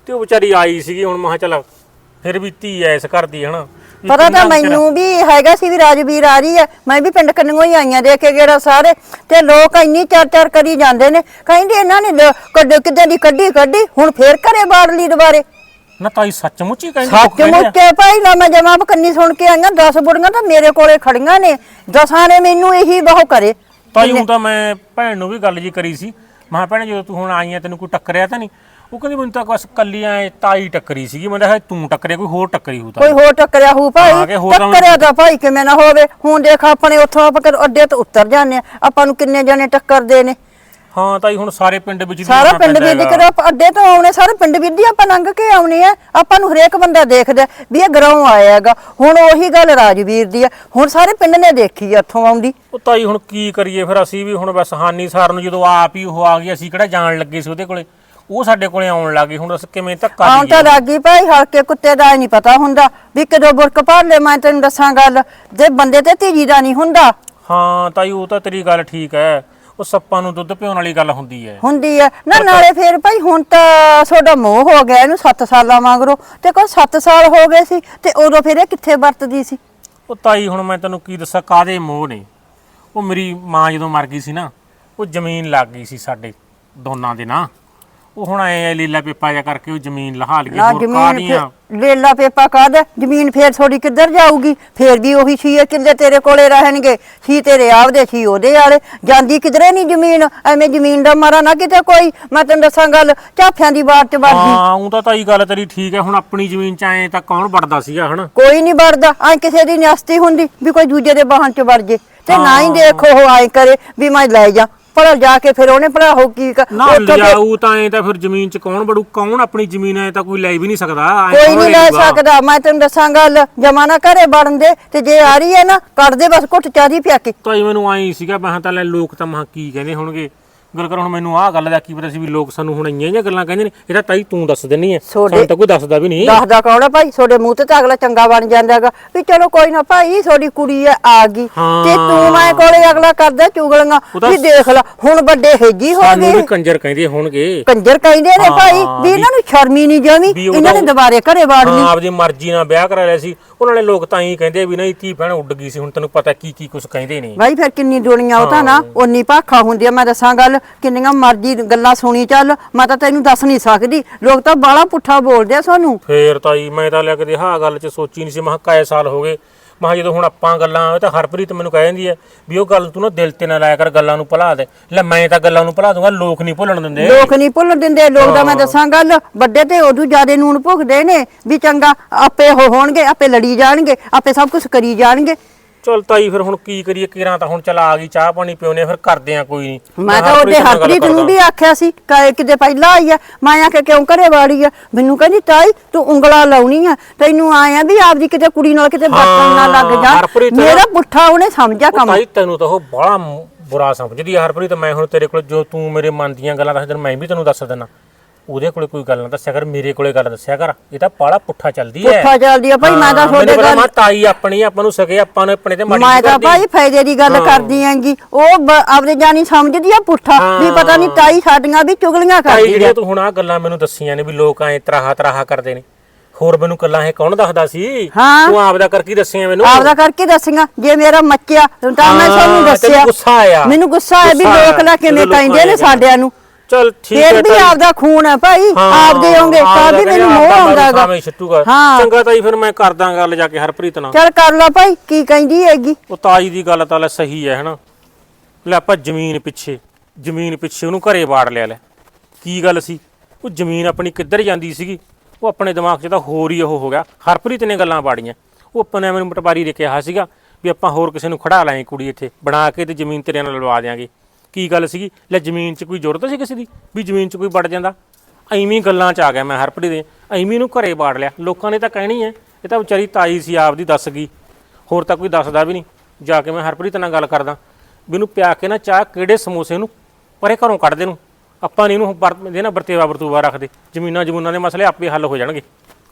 Speaker 4: ਤੇ ਉਹ ਵਿਚਾਰੀ ਆਈ ਸੀਗੀ ਹੁਣ ਮੈਂ ਕਿਹਾ ਚੱਲ ਫਿਰ ਵੀ ਧੀ ਐ ਇਸ ਘਰ ਦੀ ਹਨਾ ਵੀ
Speaker 2: ਪਤਾ
Speaker 4: ਕਿੰਨਾ
Speaker 2: ਤਾਂ
Speaker 4: ਕੁ ਚਿਰ-
Speaker 2: ਮੈਨੂੰ ਵੀ ਹੈਗਾ ਸੀ ਵੀ ਰਾਜਵੀਰ ਆ ਰਹੀ ਹੈ, ਮੈਂ ਵੀ ਪਿੰਡ ਕੰਨੋਂ ਹੀ ਆਈਆਂ ਦੇਖ ਕੇ ਗੇੜਾ ਸਾਰੇ, ਤੇ ਲੋਕ ਇੰਨੀ ਚਾਰ ਚਾਰ ਕਰੀ ਜਾਂਦੇ ਨੇ, ਕਹਿੰਦੇ ਇਹਨਾਂ ਨੇ ਲ- ਕੱਢ ਕਿਤੇ ਦੀ ਕੱਢੀ ਕੱਢੀ ਹੁਣ ਫੇਰ ਘਰੇ ਬਾੜ ਲਈ ਦੁਬਾਰੇ।
Speaker 4: ਨਾ ਤਾਈ ਸੱਚਮੁੱਚ ਹੀ ਕਹਿੰਦੀ ਲੋਕ
Speaker 2: ਸੱਚ
Speaker 4: ਕਹਿੰਦੇ ਆ।
Speaker 2: ਮੁੱਚੇ ਭਾਈ ਨਾ ਮੈਂ ਜਮਾ ਕੰਨੀ ਸੁਣ ਕੇ ਆਈਆਂ, ਦਸ ਬੁੜੀਆਂ ਤਾਂ ਮੇਰੇ ਕੋਲੇ ਖੜੀਆਂ ਨੇ, ਦਸਾਂ ਨੇ ਮੈਨੂੰ ਇਹੀ ਬਹੁ ਕਰੇ।
Speaker 4: ਤਾਈ ਹੁਣ ਤਾਂ ਮੈਂ ਭੈਣ ਨੂੰ ਵੀ ਗੱਲ ਜੀ ਕਰੀ ਸੀ, ਮੈਂ ਕਿਹਾ ਭੈਣੇ ਜਦੋਂ ਤੂੰ ਹੁਣ ਆਈ ਆ ਤੈਨੂੰ ਕੋਈ ਟੱਕਰਿਆ ਤਾਂ ਨਹੀਂ? ਉਹ ਕਹਿੰਦੀ ਮੈਨੂੰ ਤਾਂ ਬਸ ਕੱਲੀਆਂ ਤਾਈ ਟੱਕਰੀ ਸੀਗੀ, ਮੈਂ ਕਿਹਾ ਤੂੰ ਟੱਕਰਿਆ ਕੋਈ ਹੋਰ ਟੱਕਰੀ ਹੋਊ
Speaker 2: ਕੋਈ
Speaker 4: ਤਾਂ
Speaker 2: ਹੋਰ ਟੱਕਰਿਆ ਹੋਊ
Speaker 4: ਹਾਂ,
Speaker 2: ਭਾਈ,
Speaker 4: ਕਿ ਹੋਰ ਤਾਂ
Speaker 2: ਟੱਕਰਿਆ ਤਾਂ ਭਾਈ ਕਿਵੇਂ ਨਾ ਹੋਵੇ। ਹੁਣ ਦੇਖ ਆਪਣੇ ਉੱਥੋਂ ਆਪਾਂ ਅੱਡੇ ਤੋਂ ਉੱਤਰ ਜਾਂਦੇ ਆ, ਆਪਾਂ ਨੂੰ ਕਿੰਨੇ ਜਣੇ ਟੱਕਰਦੇ ਨੇ।
Speaker 4: ਹਾਂ ਤਾਈ ਹੁਣ ਸਾਰੇ ਪਿੰਡ ਵਿੱਚ ਦੀ
Speaker 2: ਸਾਰਾ
Speaker 4: ਆਉਣਾ
Speaker 2: ਪਿੰਡ
Speaker 4: ਪੈਂਦਾ
Speaker 2: ਵੀ
Speaker 4: ਹੈਗਾ।
Speaker 2: ਦਿਖ ਅੱਡੇ ਤੋਂ ਆਉਣੇ, ਸਾਰੇ ਪਿੰਡ ਵੀ ਦੀ ਆਪਾਂ ਲੰਘ ਕੇ ਆਉਣੇ ਆ, ਆਪਾਂ ਨੂੰ ਹਰੇਕ ਬੰਦਾ ਦੇਖਦਾ ਵੀ ਇਹ ਗਰਾਉਂ ਆਇਆ ਹੈਗਾ। ਹੁਣ ਉਹੀ ਗੱਲ ਰਾਜਵੀਰ ਦੀ ਆ, ਹੁਣ ਸਾਰੇ ਪਿੰਡ ਨੇ ਦੇਖੀ ਆ ਇੱਥੋਂ ਆਉਂਦੀ।
Speaker 4: ਉਹ ਤਾਈ ਹੁਣ ਕੀ ਕਰੀਏ ਫਿਰ ਅਸੀਂ ਵੀ ਹੁਣ ਬਸ ਹਾਨੀ ਸਾਰ ਨੂੰ ਜਦੋਂ ਆਪ ਹੀ ਉਹ ਆ ਗਈ, ਅਸੀਂ ਕਿਹੜਾ ਜਾਣ ਲੱਗੇ ਸੀ ਉਹਦੇ ਕੋਲੇ, ਉਹ ਸਾਡੇ ਕੋਲੇ ਆਉਣ ਲੱਗੀ, ਹੁਣ ਅਸੀਂ ਕਿਵੇਂ ਧੱਕਾ
Speaker 2: ਆਉਣ ਤਾਂ ਲੱਗੀ ਭਾਈ, ਹਲਕੇ ਕੁੱਤੇ ਦਾ ਨਹੀਂ ਪਤਾ ਹੁੰਦਾ ਵੀ ਕਦੋਂ ਬੁਰਕ ਭਰ ਲੈ। ਮੈਂ ਤੈਨੂੰ ਦੱਸਾਂ ਗੱਲ, ਜੇ ਬੰਦੇ ਤੇ ਧੀਜੀ ਦਾ ਨਹੀਂ ਹੁੰਦਾ।
Speaker 4: ਹਾਂ ਤਾਈ ਉਹ ਤਾਂ ਤੇਰੀ ਗੱਲ ਠੀਕ ਹੈ, ਉਹ ਸੱਪਾਂ ਨੂੰ ਦੁੱਧ ਪਿਉਣ ਵਾਲੀ ਗੱਲ ਹੁੰਦੀ ਹੈ।
Speaker 2: ਹੁੰਦੀ ਹੈ ਨਾ, ਨਾਲੇ ਫੇਰ ਭਾਈ ਹੁਣ ਤਾਂ ਤੁਹਾਡਾ ਮੋਹ ਹੋ ਗਿਆ ਇਹਨੂੰ ਸੱਤ ਸਾਲਾਂ ਮਗਰੋਂ, ਤੇ ਕੋਈ ਸੱਤ ਸਾਲ ਹੋ ਗਏ ਸੀ ਤੇ ਉਦੋਂ ਫਿਰ ਇਹ ਕਿੱਥੇ ਵਰਤਦੀ ਸੀ?
Speaker 4: ਉਹ ਤਾਈ ਹੁਣ ਮੈਂ ਤੈਨੂੰ ਕੀ ਦੱਸਾਂ ਕਾਦੇ ਮੋਹ ਨੇ। ਉਹ ਮੇਰੀ ਮਾਂ ਜਦੋਂ ਮਰ ਗਈ ਸੀ ਨਾ, ਉਹ ਜ਼ਮੀਨ ਲੱਗ ਗਈ ਸੀ ਸਾਡੇ ਦੋਨਾਂ ਦੇ ਨਾਂ, ਉਹ ਹੁਣ ਐ ਲੀਲਾ ਪੇਪਾ ਜਿਹਾ ਕਰਕੇ ਉਹ ਜ਼ਮੀਨ ਲਹਾ ਲਈ
Speaker 2: ਨਾ
Speaker 4: ਹੋਰ
Speaker 2: ਜ਼ਮੀਨ
Speaker 4: ਕਾਹਦੀਆਂ।
Speaker 2: ਫੇਰ ਲੇਲਾ ਪੇਪਾ ਕਾਹਦਾ, ਜ਼ਮੀਨ ਫੇਰ ਥੋੜੀ ਕਿੱਧਰ ਜਾਊਗੀ? ਫੇਰ ਵੀ ਉਹੀ ਛੇ ਕਿੱਲੇ ਤੇਰੇ ਕੋਲੇ ਰਹਿਣਗੇ, ਛੀ ਤੇਰੇ ਆਪਦੇ ਛੀ ਉਹਦੇ ਵਾਲੇ, ਜਾਂਦੀ ਕਿਧਰੇ ਨਹੀਂ ਜ਼ਮੀਨ। ਐਵੇਂ ਜ਼ਮੀਨ ਦਾ ਮਾਰਾ ਨਾ ਕਿਤੇ ਕੋਈ, ਮੈਂ ਤੈਨੂੰ ਦੱਸਾਂ ਗੱਲ, ਝਾਫਿਆਂ ਦੀ ਬਾਤ ਚ ਵੜਦੀ।
Speaker 4: ਹਾਂ ਉਹ ਤਾਂ ਤਾਈ ਗੱਲ ਤੇਰੀ ਠੀਕ ਹੈ, ਹੁਣ ਆਪਣੀ ਜ਼ਮੀਨ ਚ ਆਏ ਤਾਂ ਕੌਣ ਵੜਦਾ ਸੀਗਾ ਹਨਾ।
Speaker 2: ਕੋਈ ਨਹੀਂ ਵੜਦਾ, ਐ ਕਿਸੇ ਦੀ ਨਿਆਸਤੀ ਹੁੰਦੀ ਵੀ ਕੋਈ ਦੂਜੇ ਦੇ ਬਾਹਨ ਚ ਵੜ ਜੇ, ਤੇ ਨਾ ਹੀ ਦੇਖੋ ਉਹ ਐ ਕਰੇ ਵੀ ਮੈਂ ਲੈ ਜਾ ਭਲਾ ਜਾ ਕੇ ਫਿਰ ਉਹਨੇ ਭਲਾ ਹੋ ਕੀ ਕ-
Speaker 4: ਨਾ
Speaker 2: ਉੱਥੋਂ ਫਿਰ
Speaker 4: ਲਿਆਊ ਤਾਂ ਐ ਤਾਂ ਫਿਰ ਜ਼ਮੀਨ ਚ ਕੌਣ ਵੜੂ, ਕੌਣ ਆਪਣੀ ਜ਼ਮੀਨ ਐ ਤਾਂ ਕੋਈ ਲੈ ਵੀ ਨਹੀਂ ਸਕਦਾ। ਐਂ
Speaker 2: ਕੋਈ
Speaker 4: ਕੌਣ
Speaker 2: ਨਹੀਂ ਲੈ
Speaker 4: ਲਊਗਾ?
Speaker 2: ਸਕਦਾ। ਮੈਂ ਤੈਨੂੰ ਦੱਸਾਂ ਗੱਲ, ਜਮਾਨਾ ਘਰੇ ਵੜਨ ਦੇ, ਤੇ ਜੇ ਆ ਰਹੀ ਹੈ ਨਾ ਕੱਢ ਦੇ ਬਸ ਘੁੱਟ ਚਾਹ ਦੀ ਪਿਆ ਕੇ।
Speaker 4: ਤਾਈ ਮੈਨੂੰ ਆਈ ਸੀਗਾ ਮੈਂ ਤਾਂ ਲੈ ਲੋਕ ਤਾਂ ਮਹਾ ਕੀ ਕਹਿੰਦੇ ਹੋਣਗੇ, ਗੱਲ ਕਰ ਹੁਣ ਮੈਨੂੰ ਆਹ ਗੱਲ ਦਾ ਕੀ ਪਤਾ ਸੀ ਵੀ ਲੋਕ ਸਾਨੂੰ ਹੁਣ ਇੰਨੀਆਂ ਜਿਹੀਆਂ ਗੱਲਾਂ ਕਹਿੰਦੇ ਨੇ। ਇਹ ਤਾਂ ਤਾਈ ਤੂੰ ਦੱਸ ਦਿੰਨੀ ਐ,
Speaker 2: ਤੁਹਾਡੇ-
Speaker 4: ਸਾਨੂੰ ਤਾਂ ਕੋਈ ਦੱਸਦਾ ਵੀ ਨਹੀਂ।
Speaker 2: ਦੱਸਦਾ ਕੌਣ ਆ ਭਾਈ? ਤੁਹਾਡੇ ਮੂੰਹ ਤੇ ਤਾਂ ਅਗਲਾ ਚੰਗਾ ਬਣ ਜਾਂਦਾ ਹੈਗਾ ਵੀ ਚਲੋ ਕੋਈ ਨਾ ਭਾਈ ਤੁਹਾਡੀ ਕੁੜੀ ਆ ਆ ਗਈ,
Speaker 4: ਹਾਂ।
Speaker 2: ਤੇ ਤੂੰ ਮੈਂ ਕੋਲੇ ਅਗਲਾ ਕਰਦਾ ਚੁਗਲੀਆਂ
Speaker 4: ਉਹ ਤਾਂ
Speaker 2: ਵੀ ਦੇਖ ਲੈ ਹੁਣ ਵੱਡੇ ਹੇਜੀ ਹੋ
Speaker 4: ਸਾਨੂੰ ਵੀ
Speaker 2: ਗਏ।
Speaker 4: ਕੰਜਰ ਕਹਿੰਦੇ ਹੋਣਗੇ।
Speaker 2: ਕੰਜਰ ਕਹਿੰਦੇ ਨੇ
Speaker 4: ਹਾਂ,
Speaker 2: ਭਾਈ ਵੀ ਇਹਨਾਂ ਨੂੰ ਸ਼ਰਮ ਹੀ ਨਹੀਂ ਜਮੀ,
Speaker 4: ਵੀ ਉਹਦਾ-
Speaker 2: ਇਹਨਾਂ ਨੇ ਦੁਬਾਰੇ ਘਰੇ ਵਾੜ ਲਈ।
Speaker 4: ਹਾਂ ਆਪਦੀ ਮਰਜ਼ੀ ਨਾਲ ਵਿਆਹ ਕਰਾ ਲਿਆ ਸੀ ਉਹਨਾਂ ਨੇ। ਲੋਕ ਤਾਂ ਹੀ ਕਹਿੰਦੇ ਵੀ ਨਹੀਂ ਧੀ ਭੈਣ ਉੱਡ ਗਈ ਸੀ, ਹੁਣ ਤੈਨੂੰ ਪਤਾ ਕੀ ਕੀ ਕੁਝ ਕਹਿੰਦੇ ਨੇ।
Speaker 2: ਭਾਈ ਫਿਰ ਕਿੰਨੀ ਦੁਨੀਆ ਉਹ ਤਾਂ ਨਾ ਉਨੀ ਭਾਖਾ ਹੁੰਦੀ ਆ। ਮੈਂ ਦੱਸਾਂ ਗੱਲ, ਕਿੰਨੀਆਂ ਮਰਜ਼ੀ ਗੱਲਾਂ ਸੁਣੀ ਚੱਲ, ਮੈਂ ਤਾਂ ਤੈਨੂੰ ਦੱਸ ਨਹੀਂ ਸਕਦੀ। ਲੋਕ ਤਾਂ ਬਾਲਾ ਪੁੱਠਾ ਬੋਲਦੇ ਆ ਸਾਨੂੰ।
Speaker 4: ਫੇਰ ਤਾਈ ਮੈਂ ਤਾਂ ਲਿਆ ਕਦੇ ਹਾਂ ਗੱਲ 'ਚ ਸੋਚੀ ਨਹੀਂ ਸੀ। ਮੈਂ ਕਿਹਾ ਕਾਏ ਸਾਲ ਹੋ ਗਏ, ਮੈਂ ਕਿਹਾ ਜਦੋਂ ਹੁਣ ਆਪਾਂ ਗੱਲਾਂ, ਇਹ ਤਾਂ ਹਰਪ੍ਰੀਤ ਮੈਨੂੰ ਕਹਿ ਜਾਂਦੀ ਹੈ ਵੀ ਉਹ ਗੱਲ ਤੂੰ ਨਾ ਦਿਲ ਤੇ ਨਾ ਲਾਇਆ ਕਰ, ਗੱਲਾਂ ਨੂੰ ਭੁਲਾ ਦੇ। ਲੈ ਮੈਂ ਤਾਂ ਗੱਲਾਂ ਨੂੰ ਭੁਲਾ ਦੂੰਗਾ, ਲੋਕ ਨਹੀਂ ਭੁੱਲਣ ਦਿੰਦੇ।
Speaker 2: ਲੋਕ ਨਹੀਂ ਭੁੱਲਣ ਦਿੰਦੇ। ਲੋਕ ਦਾ ਮੈਂ ਦੱਸਾਂ ਗੱਲ, ਵੱਡੇ ਤੇ ਉਦੋਂ ਜ਼ਿਆਦੇ ਨੂਣ ਭੁਗਦੇ ਨੇ ਵੀ ਚੰਗਾ ਆਪੇ ਉਹ ਹੋਣਗੇ, ਆਪੇ ਲੜੀ ਜਾਣਗੇ, ਆਪੇ ਸਭ ਕੁਝ ਕਰੀ ਜਾਣਗੇ।
Speaker 4: ਚਲ ਤਾਈ ਫਿਰ ਹੁਣ ਕੀ ਕਰੀਏ, ਕਿਰਾਂ ਤਾਂ ਹੁਣ ਚਲ ਆ ਗਈ, ਚਾਹ ਪਾਣੀ ਪਿਉਨੇ ਫਿਰ ਕਰਦੇ ਆ ਕੋਈ ਨਹੀਂ।
Speaker 2: ਮੈਂ ਤਾਂ ਉਹਦੇ ਹਰਪ੍ਰੀਤ ਨੂੰ ਵੀ ਆਖਿਆ ਸੀ ਕਿ ਕਿਤੇ ਪਹਿਲਾਂ ਆਈ ਆ, ਮੈਂ ਆਖਿਆ ਕਿਉਂ ਘਰੇ ਵਾੜੀ ਆ? ਮੈਨੂੰ ਕਹਿੰਦੀ ਤਾਈ ਤੂੰ ਉਂਗਲਾ ਲਾਉਣੀ ਆ, ਤੈਨੂੰ ਆਇਆ ਵੀ ਆਪਦੀ ਕਿਤੇ ਕੁੜੀ ਨਾਲ ਕਿਤੇ ਬਰਤਨ ਨਾ ਲੱਗ ਜਾ।
Speaker 4: ਹਰਪ੍ਰੀਤ ਨਾ-
Speaker 2: ਮੇਰਾ ਪੁੱਠਾ ਉਹਨੇ ਸਮਝਿਆ ਕੰਮ।
Speaker 4: ਤਾਈ ਤੈਨੂੰ ਤਾਂ ਉਹ ਬੜਾ ਬੁਰਾ ਸਮਝਦੀ ਆ ਹਰਪ੍ਰੀਤ। ਮੈਂ ਹੁਣ ਤੇਰੇ ਕੋਲ ਜੋ ਤੂੰ ਮੇਰੇ ਮਨ ਦੀਆਂ ਗੱਲਾਂ ਦੱਸ ਦਿਨ, ਮੈਂ ਵੀ ਤੈਨੂੰ ਦੱਸ ਦਿੰਦਾ। ਉਹਦੇ ਕੋਲੇ ਕੋਈ ਗੱਲ ਨਾ ਦੱਸਿਆ ਕਰ, ਮੇਰੇ ਕੋਲੇ ਗੱਲ ਦੱਸਿਆ ਕਰ। ਇਹ ਤਾਂ ਬਾਲਾ ਪੁੱਠਾ ਚੱਲਦੀ ਹੈ।
Speaker 2: ਪੁੱਠਾ ਚੱਲਦੀ ਆ ਭਾਈ। ਮੈਂ ਤਾਂ ਤੁਹਾਡੇ ਗੱਲ,
Speaker 4: ਮੈਂ ਤਾਈ ਆਪਣੀ ਆਪਾਂ ਨੂੰ ਸਕੇ, ਆਪਾਂ ਨੇ ਆਪਣੇ ਤੇ ਮਾੜੀ
Speaker 2: ਮੈਂ ਤਾਂ
Speaker 4: ਕਰਦੀ।
Speaker 2: ਭਾਈ ਫਾਇਦੇ ਦੀ ਗੱਲ ਕਰਦੀ ਆਂਗੀ। ਉਹ ਬ- ਆਪਦੇ ਜਾਨੀ ਸਮਝਦੀ ਆ ਪੁੱਠਾ ਵੀ ਪਤਾ ਨਹੀਂ ਤਾਈ ਸਾਡੀਆਂ ਵੀ ਚੁਗਲੀਆਂ
Speaker 4: ਤਾਈ
Speaker 2: ਕਰਦੀ ਆ।
Speaker 4: ਜਿਹੜੀਆਂ ਤੂੰ ਹੁਣ ਆ ਗੱਲਾਂ ਮੈਨੂੰ ਦੱਸੀਆਂ ਨੇ ਵੀ ਲੋਕ ਐ ਤਰਾਹਾ ਤਰਾਹਾ ਕਰਦੇ ਨੇ, ਹੋਰ ਮੈਨੂੰ ਗੱਲਾਂ ਇਹ ਕੌਣ ਦੱਸਦਾ ਸੀ?
Speaker 2: ਹਾਂ।
Speaker 4: ਤੂੰ ਆਪਦਾ ਕਰਕੇ ਦੱਸੀਆਂ ਮੈਨੂੰ।
Speaker 2: ਆਪਦਾ ਕਰਕੇ ਦੱਸੀਆਂ। ਜੇ ਮੇਰਾ ਮੱਚਿਆ ਤਾਂ ਮੈਂ
Speaker 4: ਹਾਂ,
Speaker 2: ਤੁਹਾਨੂੰ
Speaker 4: ਤੈਨੂੰ
Speaker 2: ਦੱਸਿਆ।
Speaker 4: ਗੁੱਸਾ ਆਇਆ।
Speaker 2: ਮੈਨੂੰ ਗੁੱਸਾ ਆਇਆ ਵੀ
Speaker 4: ਗੁੱਸਾ
Speaker 2: ਲੋਕ
Speaker 4: ਆਇਆ।
Speaker 2: ਲਾ ਕਿਵੇਂ
Speaker 4: ਜਦੋਂ
Speaker 2: ਕਹਿੰਦੇ ਨੇ
Speaker 4: ਲੋਕਾਂ
Speaker 2: ਸਾਡਿਆਂ ਨੂੰ।
Speaker 4: ਚਲ ਠੀਕ ਹੈ
Speaker 2: ਫੇਰ ਵੀ
Speaker 4: ਤਾਈ।
Speaker 2: ਆਪਦਾ ਖੂਨ ਹੈ ਭਾਈ, ਆਪਦੇ ਹੋਣਗੇ ਤਾਂ ਵੀ ਮੈਨੂੰ ਮੋਹ ਆਉਂਦਾਗਾ। ਹਾਂ
Speaker 4: ਚੰਗਾ ਤਾਈ ਫਿਰ ਮੈਂ ਕਰਦਾ ਗੱਲ ਜਾ ਕੇ ਹਰਪ੍ਰੀਤ ਨਾਲ।
Speaker 2: ਚੱਲ ਕਰ ਲਾ ਭਾਈ, ਕੀ ਕਹਿੰਦੀ ਹੈਗੀ।
Speaker 4: ਉਹ ਤਾਈ ਦੀ ਗੱਲ ਤਾਂ ਲੈ ਸਹੀ ਹੈ ਹਨਾ। ਲੈ ਆਪਾਂ ਜ਼ਮੀਨ ਪਿੱਛੇ ਜ਼ਮੀਨ ਪਿੱਛੇ ਉਹਨੂੰ ਘਰੇ ਵਾੜ ਲਿਆ। ਲੈ ਕੀ ਗੱਲ ਸੀ, ਉਹ ਜ਼ਮੀਨ ਆਪਣੀ ਕਿੱਧਰ ਜਾਂਦੀ ਸੀਗੀ, ਉਹ ਆਪਣੇ ਦਿਮਾਗ 'ਚ ਤਾਂ ਹੋਰ ਹੀ ਉਹ ਹੋ ਗਿਆ। ਹਰਪ੍ਰੀਤ ਨੇ ਗੱਲਾਂ ਬਾੜੀਆਂ। ਉਹ ਆਪਾਂ ਨੇ ਮੈਨੂੰ ਪਟਵਾਰੀ ਨੇ ਕਿਹਾ ਸੀਗਾ ਵੀ ਆਪਾਂ ਹੋਰ ਕਿਸੇ ਨੂੰ ਖੜਾ ਲਾਂਗੇ ਕੁੜੀ ਇੱਥੇ ਬਣਾ ਕੇ ਤੇ ਜ਼ਮੀਨ ਤੇਰੇ ਨਾਲ ਲਵਾ ਦਿਆਂਗੇ। ਕੀ ਗੱਲ ਸੀਗੀ, ਲੈ ਜ਼ਮੀਨ 'ਚ ਕੋਈ ਜ਼ਰੂਰਤ ਸੀ ਕਿਸੇ ਦੀ ਵੀ ਜ਼ਮੀਨ 'ਚ ਕੋਈ ਵੜ ਜਾਂਦਾ? ਐਵੇਂ ਗੱਲਾਂ 'ਚ ਆ ਗਿਆ ਮੈਂ ਹਰਪ੍ਰੀਤ ਦੇ, ਐਵੇਂ ਨੂੰ ਘਰੇ ਬਾੜ ਲਿਆ। ਲੋਕਾਂ ਨੇ ਤਾਂ ਕਹਿਣੀ ਹੈ ਇਹ ਤਾਂ ਵਿਚਾਰੀ ਤਾਈ ਸੀ ਆਪਦੀ ਦੱਸ ਗਈ, ਹੋਰ ਤਾਂ ਕੋਈ ਦੱਸਦਾ ਵੀ ਨਹੀਂ। ਜਾ ਕੇ ਮੈਂ ਹਰਪ੍ਰੀਤ ਨਾਲ ਗੱਲ ਕਰਦਾ ਵੀ ਇਹਨੂੰ ਪਿਆ ਕੇ ਨਾ ਚਾਹ ਕਿਹੜੇ ਸਮੋਸੇ ਨੂੰ ਪਰੇ ਘਰੋਂ ਕੱਢ ਦੇ ਨੂੰ। ਆਪਾਂ ਨਹੀਂ ਇਹਨੂੰ ਵਰਤਦੇ ਨਾ ਵਰਤੇਵਾ ਵਰਤੂਵਾ ਰੱਖਦੇ। ਜ਼ਮੀਨਾਂ ਜ਼ਮੂਨਾਂ ਦੇ ਮਸਲੇ ਆਪੇ ਹੱਲ ਹੋ ਜਾਣਗੇ।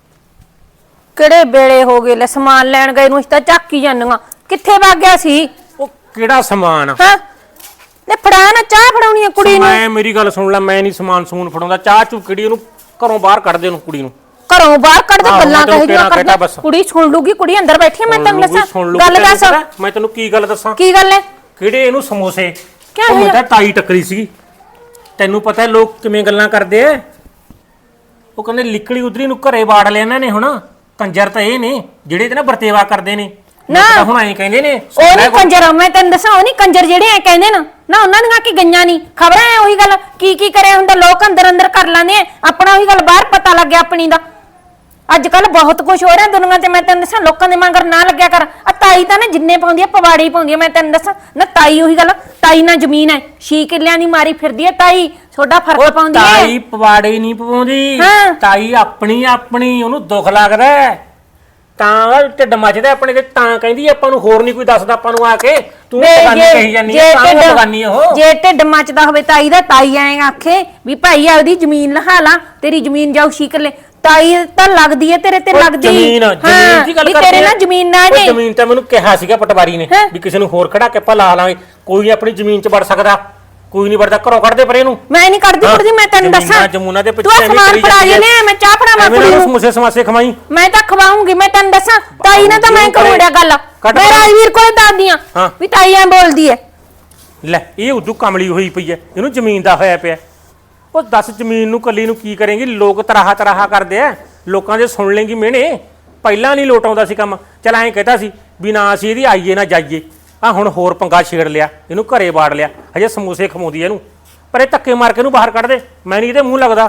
Speaker 3: ਕਿਹੜੇ ਵੇਲੇ ਹੋ ਗਏ ਲੈ ਸਮਾਨ ਲੈਣ ਗਏ ਨੂੰ, ਇਸ ਤਾਂ ਝਾਕੀ ਜਾਂਦੀਆਂ। ਕਿੱਥੇ ਵਗ ਗਿਆ ਸੀ?
Speaker 4: ਉਹ ਕਿਹੜਾ ਸਮਾਨ?
Speaker 3: ਹਾਂ ਤੇ ਫੜਾ ਨਾ ਚਾਹ ਫੜਾਉਣੀ ਆ ਕੁੜੀ ਨੂੰ।
Speaker 4: ਮੈਂ ਮੇਰੀ ਗੱਲ ਸੁਣ ਲੈ, ਮੈਂ ਨਹੀਂ ਸਮਾਨ ਸਮੂਨ ਫੜਾਉਂਦਾ। ਚਾਹ ਚੂ ਕਿਹੜੀ ਉਹਨੂੰ ਘਰੋਂ ਬਾਹਰ ਕੱਢ ਦੇ, ਉਹਨੂੰ ਕੁੜੀ ਨੂੰ
Speaker 3: ਘਰੋਂ ਬਾਹਰ ਕੱਢ ਦੇ।
Speaker 4: ਆਹੋ,
Speaker 3: ਗੱਲਾਂ
Speaker 4: ਮੈਂ ਤੈਨੂੰ
Speaker 3: ਕਹੇ
Speaker 4: ਕਹਿਣਾ ਕਹਿਤਾ
Speaker 3: ਕਰਦਾ
Speaker 4: ਬਸ।
Speaker 3: ਕੁੜੀ ਸੁਣ ਲੂਗੀ, ਕੁੜੀ ਅੰਦਰ ਬੈਠੀ ਆ, ਮੈਂ ਤੈਨੂੰ ਦੱਸਾਂ
Speaker 4: ਸੁਣ ਲਊ,
Speaker 3: ਗੱਲ
Speaker 4: ਤੈਨੂੰ
Speaker 3: ਦੱਸ
Speaker 4: ਪਤਾ, ਮੈਂ ਤੈਨੂੰ ਕੀ ਗੱਲ ਦੱਸਾਂ।
Speaker 3: ਕੀ ਗੱਲ ਹੈ?
Speaker 4: ਕਿਹੜੇ ਇਹਨੂੰ ਸਮੋਸੇ
Speaker 3: ਕਿਆ
Speaker 4: ਉਹ
Speaker 3: ਹੋਇਆ?
Speaker 4: ਮੈਂ ਤਾਂ ਤਾਈ ਟੱਕਰੀ ਸੀ। ਤੈਨੂੰ ਪਤਾ ਹੈ ਲੋਕ ਕਿਵੇਂ ਗੱਲਾਂ ਕਰਦੇ ਆ। ਉਹ ਕਹਿੰਦੇ ਲਿਕੜੀ ਉਧਰੀ ਨੂੰ ਘਰੇ ਬਾੜ ਲਿਆ ਇਹਨਾਂ ਨੇ। ਹੁਣ ਕੰਜਰ ਤਾਂ ਇਹ ਨੇ ਜਿਹੜੇ ਤੇ ਨਾ ਵਰਤੇਵਾ ਕਰਦੇ ਨੇ
Speaker 3: ਨਾ।
Speaker 4: ਤਾਂ ਹੁਣ ਐਂ ਕਹਿੰਦੇ ਨੇ
Speaker 3: ਉਹ ਨਹੀਂ ਕੰਜਰ, ਮੈਂ ਤੈਨੂੰ ਦੱਸਾਂ ਉਹ ਨਹੀਂ ਕੰਜਰ ਜਿਹੜੇ ਐ ਕਹਿੰਦੇ ਨਾ ਨਾ ਉਹਨਾਂ ਦੀਆਂ ਕੀ ਗਈਆਂ ਨਹੀਂ ਖਬਰਾਂ ਐ। ਉਹੀ ਗੱਲ ਕੀ ਕੀ ਕਰਿਆ ਹੁੰਦਾ, ਲੋਕ ਅੰਦਰ ਅੰਦਰ ਕਰ ਲੈਂਦੇ ਆ ਆਪਣਾ। ਉਹੀ ਗੱਲ ਬਾਹਰ ਪਤਾ ਲੱਗਿਆ ਆਪਣੀ ਦਾ। ਅੱਜ ਕੱਲ ਬਹੁਤ ਕੁਝ ਹੋ ਰਿਹਾ ਦੁਨੀਆ ਤੇ। ਮੈਂ ਤੈਨੂੰ ਦੱਸਾਂ ਲੋਕਾਂ ਦੇ ਮਗਰ ਨਾ ਲੱਗਿਆ ਕਰ। ਆ ਤਾਈ ਤਾਂ ਨਾ ਜਿੰਨੇ ਪਾਉਂਦੀ ਆ ਪਵਾੜੀ ਪਾਉਂਦੀ ਆ। ਮੈਂ ਤੈਨੂੰ ਦੱਸਾਂ ਨਾ ਤਾਈ ਉਹੀ ਗੱਲ, ਤਾਈ ਨਾਲ ਜ਼ਮੀਨ ਐ ਛੇ ਕਿੱਲਿਆਂ ਦੀ ਮਾਰੀ ਫਿਰਦੀ ਐ ਤਾਈ। ਛੋਟਾ ਫਰਕ ਪਾਉਂਦੀ ਐ।
Speaker 4: ਤਾਈ ਪਵਾੜੇ ਨਹੀਂ ਪਵਾਉਂਦੀ,
Speaker 3: ਹਾਂ।
Speaker 4: ਤਾਈ ਆਪਣੀ ਆਪਣੀ ਉਹਨੂੰ ਦੁੱਖ ਲੱਗਦਾ ਹੈ। ਤਾਂ ਢਿੱਡ ਮੱਚਦਾ ਆਪਣੇ ਤੇ, ਤਾਂ ਕਹਿੰਦੀ ਆਪਾਂ ਨੂੰ ਹੋਰ ਨਹੀਂ ਕੋਈ ਦੱਸਦਾ ਆਪਾਂ ਨੂੰ ਆ ਕੇ। ਤੂੰ ਬਗਾਨੀ ਕਹੀ ਜਾਂਦੀ ਹੈ, ਤਾਂ ਉਹ ਬਗਾਨੀ ਉਹ।
Speaker 3: ਜੇ ਢਿੱਡ ਮੱਚਦਾ ਹੋਵੇ ਤਾਈ ਦਾ, ਤਾਈ ਐਂ ਆਖੇ ਵੀ ਭਾਈ ਆਪਦੀ ਜ਼ਮੀਨ ਲਹਾ ਲਾ, ਤੇਰੀ ਜ਼ਮੀਨ ਜਾਊ ਛੇ ਕਿੱਲੇ। ਤਾਈ ਤਾਂ ਲੱਗਦੀ ਐ ਤੇਰੇ ਤੇ ਲੱਗਦੀ।
Speaker 4: ਜ਼ਮੀਨ ਜ਼ਮੀਨ ਦੀ ਗੱਲ
Speaker 3: ਵੀ
Speaker 4: ਕਰਦੇ
Speaker 3: ਤੇਰੇ ਨਾਲ ਜ਼ਮੀਨ ਨਾ ਜੇ।
Speaker 4: ਜ਼ਮੀਨ ਤਾਂ ਮੈਨੂੰ ਕਿਹਾ ਸੀਗਾ ਪਟਵਾਰੀ ਨੇ ਵੀ ਕਿਸੇ ਨੂੰ ਹੋਰ ਖੜਾ ਕੇ ਆਪਾਂ ਲਾ ਲਾਂਗੇ। ਕੋਈ ਆਪਣੀ ਜ਼ਮੀਨ 'ਚ ਵੜ ਸਕਦਾ, ਕੋਈ ਨਹੀਂ ਵੜਦਾ। ਘਰੋਂ ਕੱਢਦੇ ਪਰੇ ਨੂੰ।
Speaker 3: ਮੈਂ ਨਹੀਂ ਕਰਦੀ ਕੁੜਦੀ, ਮੈਂ ਤੈਨੂੰ ਦੱਸਾਂ।
Speaker 4: ਜਮੂਨਾ ਦੇ
Speaker 3: ਤੂੰ
Speaker 4: ਪਿੱਛੇ
Speaker 3: ਸਮਾਨ ਫੜਾ ਜੇ ਨੇ, ਮੈਂ ਚਾਹ ਫੜਾਵਾਂ ਕੁੜੀ ਨੂੰ।
Speaker 4: ਸਮੋਸੇ ਸਮਾਸੇ ਖਵਾਈ।
Speaker 3: ਮੈਂ ਤਾਂ ਖਵਾਉਂਗੀ, ਮੈਂ ਤੈਨੂੰ ਦੱਸਾਂ। ਤਾਈ ਨੇ ਤਾਂ ਮੈਂ ਕਰੂੜਿਆ ਗੱਲ।
Speaker 4: ਕੱਢ
Speaker 3: ਮੈਂ ਰਾਜਵੀਰ ਕੋਲ ਦੱਸਦੀ ਆ
Speaker 4: ਹਾਂ।
Speaker 3: ਵੀ ਤਾਈ ਐਂ ਬੋਲਦੀ ਐ।
Speaker 4: ਲੈ ਇਹ ਉਦੋਂ ਕਮਲੀ ਹੋਈ ਪਈ ਐ, ਇਹਨੂੰ ਜ਼ਮੀਨ ਦਾ ਹੋਇਆ ਪਿਆ। ਉਹ ਦੱਸ ਜ਼ਮੀਨ ਨੂੰ ਕੱਲੀ ਨੂੰ ਕੀ ਕਰੇਂਗੀ। ਲੋਕ ਤਰਾਹਾ ਤਰਾਹਾ ਕਰਦੇ ਆ, ਲੋਕਾਂ ਦੇ ਸੁਣ ਲੇਂਗੀ ਮਿਹਣੇ। ਪਹਿਲਾਂ ਨਹੀਂ ਲੋਟ ਆਉਂਦਾ ਸੀ ਕੰਮ। ਚਲ ਐਂ ਕਹਤਾ ਸੀ ਵੀ ਨਾ ਅਸੀਂ ਇਹਦੀ ਆਈਏ ਨਾ ਜਾਈਏ। ਆ ਹੁਣ ਹੋਰ ਪੰਗਾ ਛੇੜ ਲਿਆ, ਇਹਨੂੰ ਘਰੇ ਬਾੜ ਲਿਆ। ਹਜੇ ਸਮੋਸੇ ਖਵਾਉਂਦੀ ਇਹਨੂੰ, ਪਰ ਇਹ ਧੱਕੇ ਮਾਰ ਕੇ ਇਹਨੂੰ ਬਾਹਰ ਕੱਢ ਦੇ। ਮੈਂ ਨਹੀਂ ਇਹਦੇ ਮੂੰਹ ਲੱਗਦਾ।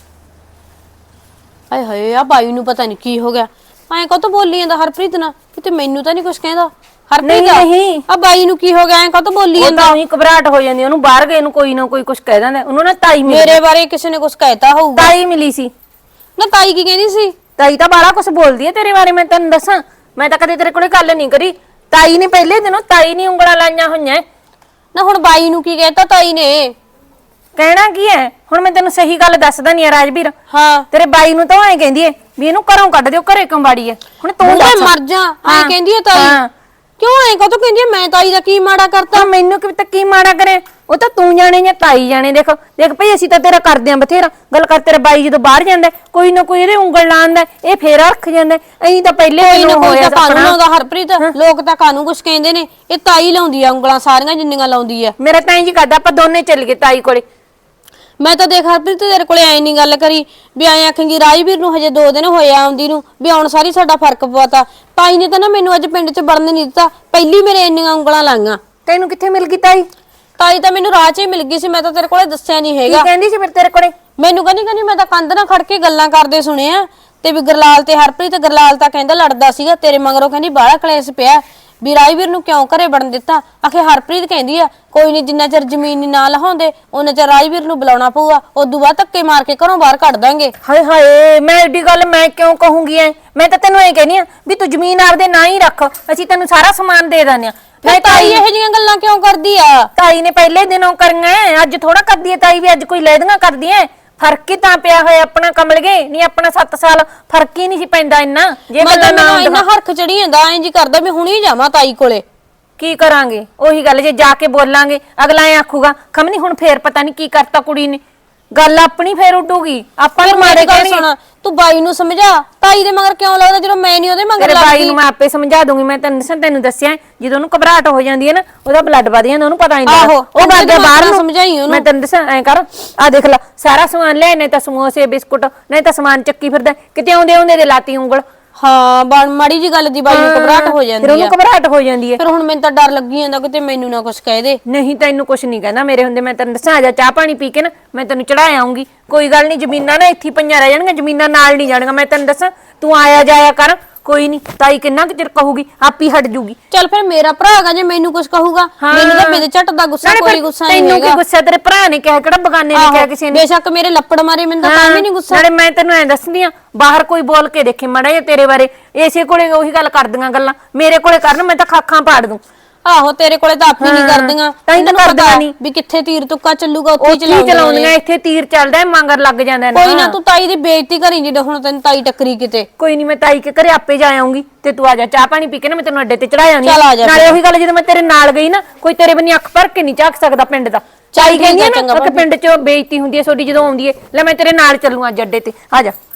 Speaker 1: ਹਾਏ ਹਾਏ ਆ ਬਾਈ ਨੂੰ ਪਤਾ ਨਹੀਂ ਕੀ ਹੋ ਗਿਆ। ਐਂ ਕਾਹਤੋਂ ਬੋਲੀ ਜਾਂਦਾ ਹਰਪ੍ਰੀਤ ਨਾਲ? ਕਿਤੇ ਮੈਨੂੰ ਤਾਂ ਨਹੀਂ ਕੁਝ ਕਹਿੰਦਾ ਹਰਪ੍ਰੀਤ।
Speaker 3: ਨਹੀਂ, ਨਹੀਂ।
Speaker 1: ਆ ਬਾਈ ਨੂੰ ਕੀ ਹੋ ਗਿਆ? ਐਂ ਕਾਹਤੋਂ ਬੋਲੀ
Speaker 3: ਉਹ
Speaker 1: ਜਾਂਦਾ?
Speaker 3: ਤਾਂ ਉਹੀ ਘਬਰਾਹਟ ਹੋ ਜਾਂਦੀ ਉਹਨੂੰ, ਬਾਹਰ ਗਏ ਨੂੰ ਕੋਈ ਨਾ ਕੋਈ ਕੁਝ ਕਹਿ ਦਿੰਦਾ। ਉਹਨੂੰ ਨਾ ਤਾਈ ਮਿਲੀ।
Speaker 1: ਮੇਰੇ ਬਾਰੇ ਕਿਸੇ ਨੇ ਕੁਝ ਕਹਿਤਾ ਹੋਊਗਾ।
Speaker 3: ਤਾਈ ਮਿਲੀ ਸੀ
Speaker 1: ਨਾ ਤਾਈ ਕੀ ਕਹਿੰਦੀ ਸੀ?
Speaker 3: ਤਾਈ ਤਾਂ ਬਾਲਾ ਕੁਝ ਬੋਲਦੀ ਐ ਤੇਰੇ ਬਾਰੇ। ਮੈਂ ਤੈਨੂੰ ਦੱਸਾਂ, ਮੈਂ ਤਾਂ ਕਦੇ ਤੇਰੇ ਕੋਲੇ ਗੱਲ ਨਹੀਂ ਕਰੀ। ਤਾਈ ਨੇ ਪਹਿਲੇ ਦਿਨੋਂ ਤਾਈ ਨੇ ਉਂਗਲਾਂ ਲਾਈਆਂ ਹੋਈਆਂ।
Speaker 1: ਨਾ ਹੁਣ ਬਾਈ ਨੂੰ ਕੀ ਕਹਿਤਾ ਤਾਈ ਨੇ?
Speaker 3: ਕਹਿਣਾ ਕੀ ਹੈ ਹੁਣ? ਮੈਂ ਤੈਨੂੰ ਸਹੀ ਗੱਲ ਦੱਸਦਾ ਨਹੀਂ ਆ ਰਾਜਵੀਰ।
Speaker 1: ਹਾਂ
Speaker 3: ਤੇਰੇ ਬਾਈ ਨੂੰ ਤਾਂ ਐਂ ਕਹਿੰਦੀ ਐ ਵੀ ਇਹਨੂੰ ਘਰੋਂ ਕੱਢ ਦਿਓ, ਘਰੇ ਕੰਬਾੜੀ ਐ। ਹੁਣ ਤੂੰ
Speaker 1: ਮੈਂ
Speaker 3: ਦੱਸ।
Speaker 1: ਮਰ ਜਾ। ਐਂ
Speaker 3: ਹਾਂ,
Speaker 1: ਕਹਿੰਦੀ ਐ ਤਾਈ?
Speaker 3: ਹਾਂ।
Speaker 1: ਕਿਉਂ ਐਂ ਕਾਹਤੋਂ ਕਹਿੰਦੀ ਐ? ਮੈਂ ਤਾਈ ਦਾ ਕੀ ਮਾੜਾ ਕਰਤਾ?
Speaker 3: ਤਾਂ ਮੈਨੂੰ ਕਿ ਤਾਂ ਕੀ ਮਾੜਾ ਕਰੇ? ਉਹ ਤਾਂ ਤੂੰ ਜਾਣੇ ਜਾਂ ਤਾਈ ਜਾਣੇ। ਦੇਖ ਦੇਖ ਭਈ ਅਸੀਂ ਤਾਂ ਤੇਰਾ ਕਰਦੇ ਆਂ ਬਥੇਰਾ। ਗੱਲ ਕਰ, ਤੇਰਾ ਬਾਈ ਜਦੋਂ ਬਾਹਰ ਜਾਂਦਾ ਕੋਈ ਨਾ ਕੋਈ ਇਹਦੇ ਉਂਗਲ ਲਾਉਂਦਾ, ਇਹ ਫੇਰ ਰੱਖ ਜਾਂਦਾ। ਐਂ ਤਾਂ ਪਹਿਲੇ
Speaker 1: ਕੋਈ ਨਾ
Speaker 3: ਦਿਨੋਂ
Speaker 1: ਕੋਈ
Speaker 3: ਹੋਇਆ
Speaker 1: ਤਾਂ ਕਾਨੂੰ
Speaker 3: ਆਪਣਾ।
Speaker 1: ਲਾਉਂਦਾ ਹਰਪ੍ਰੀਤ। ਲੋਕ ਤਾਂ ਕਾਨੂੰ ਕੁਝ ਕਹਿੰਦੇ ਨੇ। ਇਹ ਤਾਈ ਲਾਉਂਦੀ ਆ ਉਂਗਲਾਂ ਸਾਰੀਆਂ ਜਿੰਨੀਆਂ ਲਾਉਂਦੀ ਆ।
Speaker 3: ਮੇਰਾ ਤਾਂ ਇੰਜ ਕਰਦਾ ਆਪਾਂ ਦੋਨੇ ਚੱਲ ਗਏ ਤਾਈ ਕੋਲੇ।
Speaker 1: ਮੈਂ ਤਾਂ ਦੇਖ ਹਰਪ੍ਰੀਤ ਤੇਰੇ ਕੋਲੇ ਐ ਨਹੀਂ ਗੱਲ ਕਰੀ ਵੀ ਐਂ ਆਖਾਂਗੀ ਰਾਜਵੀਰ ਨੂੰ ਹਜੇ ਦੋ ਦਿਨ ਹੋਏ ਆਉਂਦੀ ਨੂੰ ਵੀ ਹੁਣ ਸਾਰੀ ਸਾਡਾ ਫਰਕ ਪਵਾਤਾ। ਤਾਈ ਨੇ ਤਾਂ ਨਾ ਮੈਨੂੰ ਅੱਜ ਪਿੰਡ 'ਚ ਵੜਨ ਨਹੀਂ ਦਿੱਤਾ। ਪਹਿਲੀ ਮੇਰੇ ਇੰਨੀਆਂ ਉਂਗਲਾਂ ਲਾਈਆਂ।
Speaker 3: ਤੈਨੂੰ ਕਿੱਥੇ ਮਿਲ ਗਈ ਤਾਈ?
Speaker 1: ਤਾਈ ਤਾਂ ਮੈਨੂੰ ਰਾਹ 'ਚ ਹੀ ਮਿਲ ਗਈ ਸੀ। ਮੈਂ ਤਾਂ ਤੇਰੇ ਕੋਲੇ ਦੱਸਿਆ ਨਹੀਂ
Speaker 3: ਕੀ
Speaker 1: ਹੈਗਾ।
Speaker 3: ਕਹਿੰਦੀ ਸੀ ਫਿਰ ਤੇਰੇ ਕੋਲੇ?
Speaker 1: ਮੈਨੂੰ ਕਹਿੰਦੀ ਕਹਿੰਦੀ ਮੈਂ ਤਾਂ ਕੰਧ ਨਾਲ ਖੜ ਕੇ ਗੱਲਾਂ ਕਰਦੇ ਸੁਣਿਆ ਤੇ ਵੀ ਗਰਲਾਲ ਤੇ ਹਰਪ੍ਰੀਤ। ਗਰਲਾਲ ਤਾਂ ਕਹਿੰਦਾ ਲੜਦਾ ਸੀਗਾ ਤੇਰੇ ਮਗਰੋਂ। ਕਹਿੰਦੀ ਬਾਹਲਾ ਕਲੇਸ਼ ਪਿਆ ਵੀ ਰਾਜਵੀਰ ਨੂੰ ਕਿਉਂ ਘਰੇ ਵੜਨ ਦਿੱਤਾ। ਆਖੇ ਹਰਪ੍ਰੀਤ ਕਹਿੰਦੀ ਆ ਕੋਈ ਨਹੀਂ ਜਿੰਨਾ ਚਿਰ ਜ਼ਮੀਨ ਨਹੀਂ ਨਾ ਲਹਾਉਂਦੇ ਉਹਨਾਂ ਚਿਰ ਰਾਜਵੀਰ ਨੂੰ ਬੁਲਾਉਣਾ ਪਊਗਾ। ਉਦੋਂ ਬਾਅਦ ਧੱਕੇ ਮਾਰ ਕੇ ਘਰੋਂ ਬਾਹਰ ਕੱਢ ਦਾਂਗੇ।
Speaker 3: ਹਾਏ ਹਾਏ, ਮੈਂ ਐਡੀ ਗੱਲ ਮੈਂ ਕਿਉਂ ਕਹੂੰਗੀ ਐ? ਮੈਂ ਤਾਂ ਤੈਨੂੰ ਇਹ ਕਹਿਨੀ ਆ ਵੀ ਤੂੰ ਜ਼ਮੀਨ ਆਪਦੇ ਨਾਂ ਹੀ ਰੱਖ, ਅਸੀਂ ਤੈਨੂੰ ਸਾਰਾ ਸਮਾਨ ਦੇ ਦਾਂਗੇ।
Speaker 1: ਫਿਰ ਤਾਈ ਇਹੋ ਜਿਹੀਆਂ ਗੱਲਾਂ ਕਿਉਂ ਕਰਦੀ ਆ?
Speaker 3: ਤਾਈ ਨੇ ਪਹਿਲੇ ਦਿਨੋਂ ਕਰੀਆਂ, ਅੱਜ ਥੋੜਾ ਕਰਦੀ ਐ ਤਾਈ ਵੀ। ਅੱਜ ਕੋਈ ਲੈਦੀਆਂ ਕਰਦੀ ਐ। ਫਰਕ ਹੀ ਤਾਂ ਪਿਆ ਹੋਇਆ ਆਪਣਾ ਕਮਲ ਗਏ ਨਹੀਂ। ਆਪਣਾ ਸੱਤ ਸਾਲ ਫਰਕ ਹੀ ਨਹੀਂ ਸੀ ਪੈਂਦਾ ਇੰਨਾ। ਜੇ
Speaker 1: ਮੈਂ ਤਾਂ
Speaker 3: ਨਾ
Speaker 1: ਮੈਨੂੰ ਇੰਨਾ ਹਰਖ ਚੜੀ ਜਾਂਦਾ ਐਂ ਜੀ ਕਰਦਾ ਵੀ ਹੁਣੀ ਜਾਵਾਂ ਤਾਈ ਕੋਲੇ।
Speaker 3: ਕੀ ਕਰਾਂਗੇ? ਉਹੀ ਗੱਲ, ਜੇ ਜਾ ਕੇ ਬੋਲਾਂਗੇ ਅਗਲਾ ਐ ਆਖੂਗਾ ਖਮਨੀ ਹੁਣ ਫੇਰ ਪਤਾ ਨਹੀਂ ਕੀ ਕਰਤਾ ਕੁੜੀ ਨੇ। ਗੱਲ ਆਪਣੀ ਫੇਰ ਉੱਡੂਗੀ। ਆਪਾਂ ਨੂੰ ਮਾਰੇ
Speaker 1: ਗੱਲ
Speaker 3: ਕਹਿਣਗੇ।
Speaker 1: ਸੁਣ, ਤੂੰ ਬਾਈ ਨੂੰ ਸਮਝਾ। ਤਾਈ ਦੇ ਮਗਰ ਕਿਉਂ ਲੱਗਦਾ ਜਦੋਂ ਮੈਂ ਨਹੀਂ ਉਹਦੇ ਮਗਰ
Speaker 3: ਤੇਰੇ ਬਾਈ
Speaker 1: ਲੱਗਦੀ?
Speaker 3: ਨੂੰ ਮੈਂ ਆਪੇ ਸਮਝਾ ਦੂੰਗੀ। ਮੈਂ ਤੈਨੂੰ ਦੱਸਾਂ, ਤੈਨੂੰ ਦੱਸਿਆ ਜਦੋਂ ਉਹਨੂੰ ਘਬਰਾਹਟ ਹੋ ਜਾਂਦੀ ਹੈ ਨਾ ਉਹਦਾ ਬਲੱਡ ਵਧ ਜਾਂਦਾ, ਉਹਨੂੰ ਪਤਾ ਨਹੀਂ ਲੱਗਦਾ।
Speaker 1: ਆਹੋ,
Speaker 3: ਉਹ ਗੱਲ ਦੇ ਬਾਹਰ ਨੂੰ
Speaker 1: ਸਮਝਾਈ ਉਹਨੂੰ।
Speaker 3: ਮੈਂ ਤੈਨੂੰ ਦੱਸਾਂ ਐ ਕਰ, ਆ ਦੇਖ ਲੈ ਸਾਰਾ ਸਮਾਨ ਲਿਆ, ਨਹੀਂ ਤਾਂ ਸਮੋਸੇ ਬਿਸਕੁਟ ਨਹੀਂ ਤਾਂ ਸਮਾਨ ਚੱਕੀ ਫਿਰਦਾ। ਕਿਤੇ ਆਉਂਦੇ ਆਉਂਦੇ ਦੇ ਲਾਤੀ ਉਂਗਲ।
Speaker 1: ਹਾਂ ਬਣ ਮਾੜੀ ਜੀ ਗੱਲ ਦੀ ਬਾਈ ਨੂੰ ਘਬਰਾਹਟ ਹੋ
Speaker 3: ਫਿਰ
Speaker 1: ਜਾਂਦੀ ਆ।
Speaker 3: ਉਹਨੂੰ ਘਬਰਾਹਟ ਹੋ ਜਾਂਦੀ ਹੈ।
Speaker 1: ਫਿਰ ਹੁਣ ਮੈਨੂੰ ਤਾਂ ਡਰ ਲੱਗੀ ਜਾਂਦਾ ਕਿਤੇ ਮੈਨੂੰ ਨਾ ਕੁਝ ਕਹਿ ਦੇ।
Speaker 3: ਨਹੀਂ ਤੈਨੂੰ ਕੁਛ ਨਹੀਂ ਕਹਿੰਦਾ ਮੇਰੇ ਹੁੰਦੇ। ਮੈਂ ਤੈਨੂੰ ਦੱਸਾਂ, ਆ ਜਾ ਚਾਹ ਪਾਣੀ ਪੀ ਕੇ ਨਾ ਮੈਂ ਤੈਨੂੰ ਚੜਾ ਆਉਂਗੀ। ਕੋਈ ਗੱਲ ਨਹੀਂ, ਜ਼ਮੀਨਾਂ ਨਾ ਇੱਥੇ ਪਈਆਂ ਰਹਿ ਜਾਣਗੀਆਂ, ਜ਼ਮੀਨਾਂ ਨਾਲ ਨਹੀਂ ਜਾਣਗੀਆਂ। ਮੈਂ ਤੈਨੂੰ ਦੱਸਾਂ, ਤੂੰ ਆਇਆ ਜਾਇਆ ਕਰ। ਕੋਈ ਨਹੀਂ, ਤਾਈ ਕਿੰਨਾ ਕੁ ਚਿਰ ਕਹੂਗੀ, ਆਪੀ ਹਟ ਜੂਗੀ।
Speaker 1: ਚੱਲ ਫਿਰ ਮੇਰਾ ਭਰਾ ਹੈਗਾ, ਜੇ ਮੈਨੂੰ ਕੁਝ ਕਹੂਗਾ ਮੈਨੂੰ ਤਾਂ ਮੇਰੇ ਝੱਟ ਦਾ ਗੁੱਸਾ, ਕੋਈ ਗੁੱਸਾ ਨਹੀਂ
Speaker 3: ਤੈਨੂੰ
Speaker 1: ਹੈਗਾ।
Speaker 3: ਕੀ ਗੁੱਸਾ? ਤੇਰੇ ਭਰਾ ਨੇ ਕਿਹਾ, ਕਿਹੜਾ ਬਗਾਨੇ ਨੇ ਕਿਹਾ ਕਿਸੇ ਨੇ?
Speaker 1: ਬੇਸ਼ੱਕ ਮੇਰੇ ਲੱਪੜ ਮਾਰੇ ਮੈਨੂੰ ਤਾਂ ਵੀ ਨਹੀਂ ਗੁੱਸਾ।
Speaker 3: ਨਾਲੇ ਮੈਂ ਤੈਨੂੰ ਐ ਦੱਸਦੀ ਆ, ਬਾਹਰ ਕੋਈ ਬੋਲ ਕੇ ਦੇਖੇ ਮਾੜਾ ਜਿਹਾ ਤੇਰੇ ਬਾਰੇ, ਇਸੇ ਕੋਲੇ ਉਹੀ ਗੱਲ ਕਰਦੀਆਂ ਗੱਲਾਂ, ਮੇਰੇ ਕੋਲੇ ਕਰਨ ਮੈਂ ਤਾਂ ਖਾਖਾਂ ਪਾੜ ਦੂੰ।
Speaker 1: ਆਹੋ ਤੇਰੇ ਕੋਲੇ ਤਾਂ ਆਪੀ ਨਹੀਂ ਕਰਦੀਆਂ
Speaker 3: ਤਾਂ ਹੀ ਤਾਂ
Speaker 1: ਇਹਨਾਂ ਨੂੰ
Speaker 3: ਕਰਦੀਆਂ
Speaker 1: ਪਤਾ
Speaker 3: ਨੀ।
Speaker 1: ਵੀ ਕਿੱਥੇ ਤੀਰ ਤੁੱਕਾ ਚੱਲੂਗਾ ਉੱਥੇ ਹੀ
Speaker 3: ਉੱਥੇ
Speaker 1: ਚਲਾਉਂਦੀਆਂ
Speaker 3: ਚਲਾਉਂਦੀਆਂ ਇੱਥੇ ਤੀਰ ਚੱਲਦਾ ਹੈ, ਮਗਰ ਲੱਗ ਜਾਂਦਾ ਨਾ।
Speaker 1: ਕੋਈ ਨਾ ਤੂੰ ਤਾਈ ਦੀ ਬੇਇੱਜ਼ਤੀ ਕਰੀ ਜਦੋਂ ਹੁਣ ਤੈਨੂੰ ਤਾਈ ਟੱਕਰੀ ਕਿਤੇ।
Speaker 3: ਕੋਈ ਨਹੀਂ, ਮੈਂ ਤਾਈ ਕੇ ਘਰੇ ਆਪੇ ਜਾ ਆਉਂਗੀ ਤੇ ਤੂੰ ਆ ਜਾ, ਚਾਹ ਪਾਣੀ ਪੀ ਕੇ ਨਾ ਮੈਂ ਤੈਨੂੰ ਅੱਡੇ ਤੇ ਚੜਾ ਆਉਂਦੀ
Speaker 1: ਚੱਲ ਆ ਜਾ
Speaker 3: ਨਾਲੇ ਉਹੀ ਗੱਲ, ਜਦੋਂ ਮੈਂ ਤੇਰੇ ਨਾਲ ਗਈ ਨਾ ਕੋਈ ਤੇਰੇ ਬੰਨੀ ਅੱਖ ਭਰ ਕੇ ਨਹੀਂ ਝਾਕ ਸਕਦਾ ਪਿੰਡ ਦਾ। ਚਾਈ ਕਹਿੰਦੀ ਆ ਨਾ ਕਿ ਪਿੰਡ 'ਚ ਬੇਇੱਜ਼ਤੀ ਹੁੰਦੀ ਹੈ ਤੁਹਾਡੀ ਜਦੋਂ ਆਉਂਦੀ ਹੈ। ਲੈ ਮੈਂ ਤੇਰੇ ਨਾਲ ਚੱਲੂ ਅੱਜ ਅੱਡੇ ਤੇ, ਆ ਜਾ।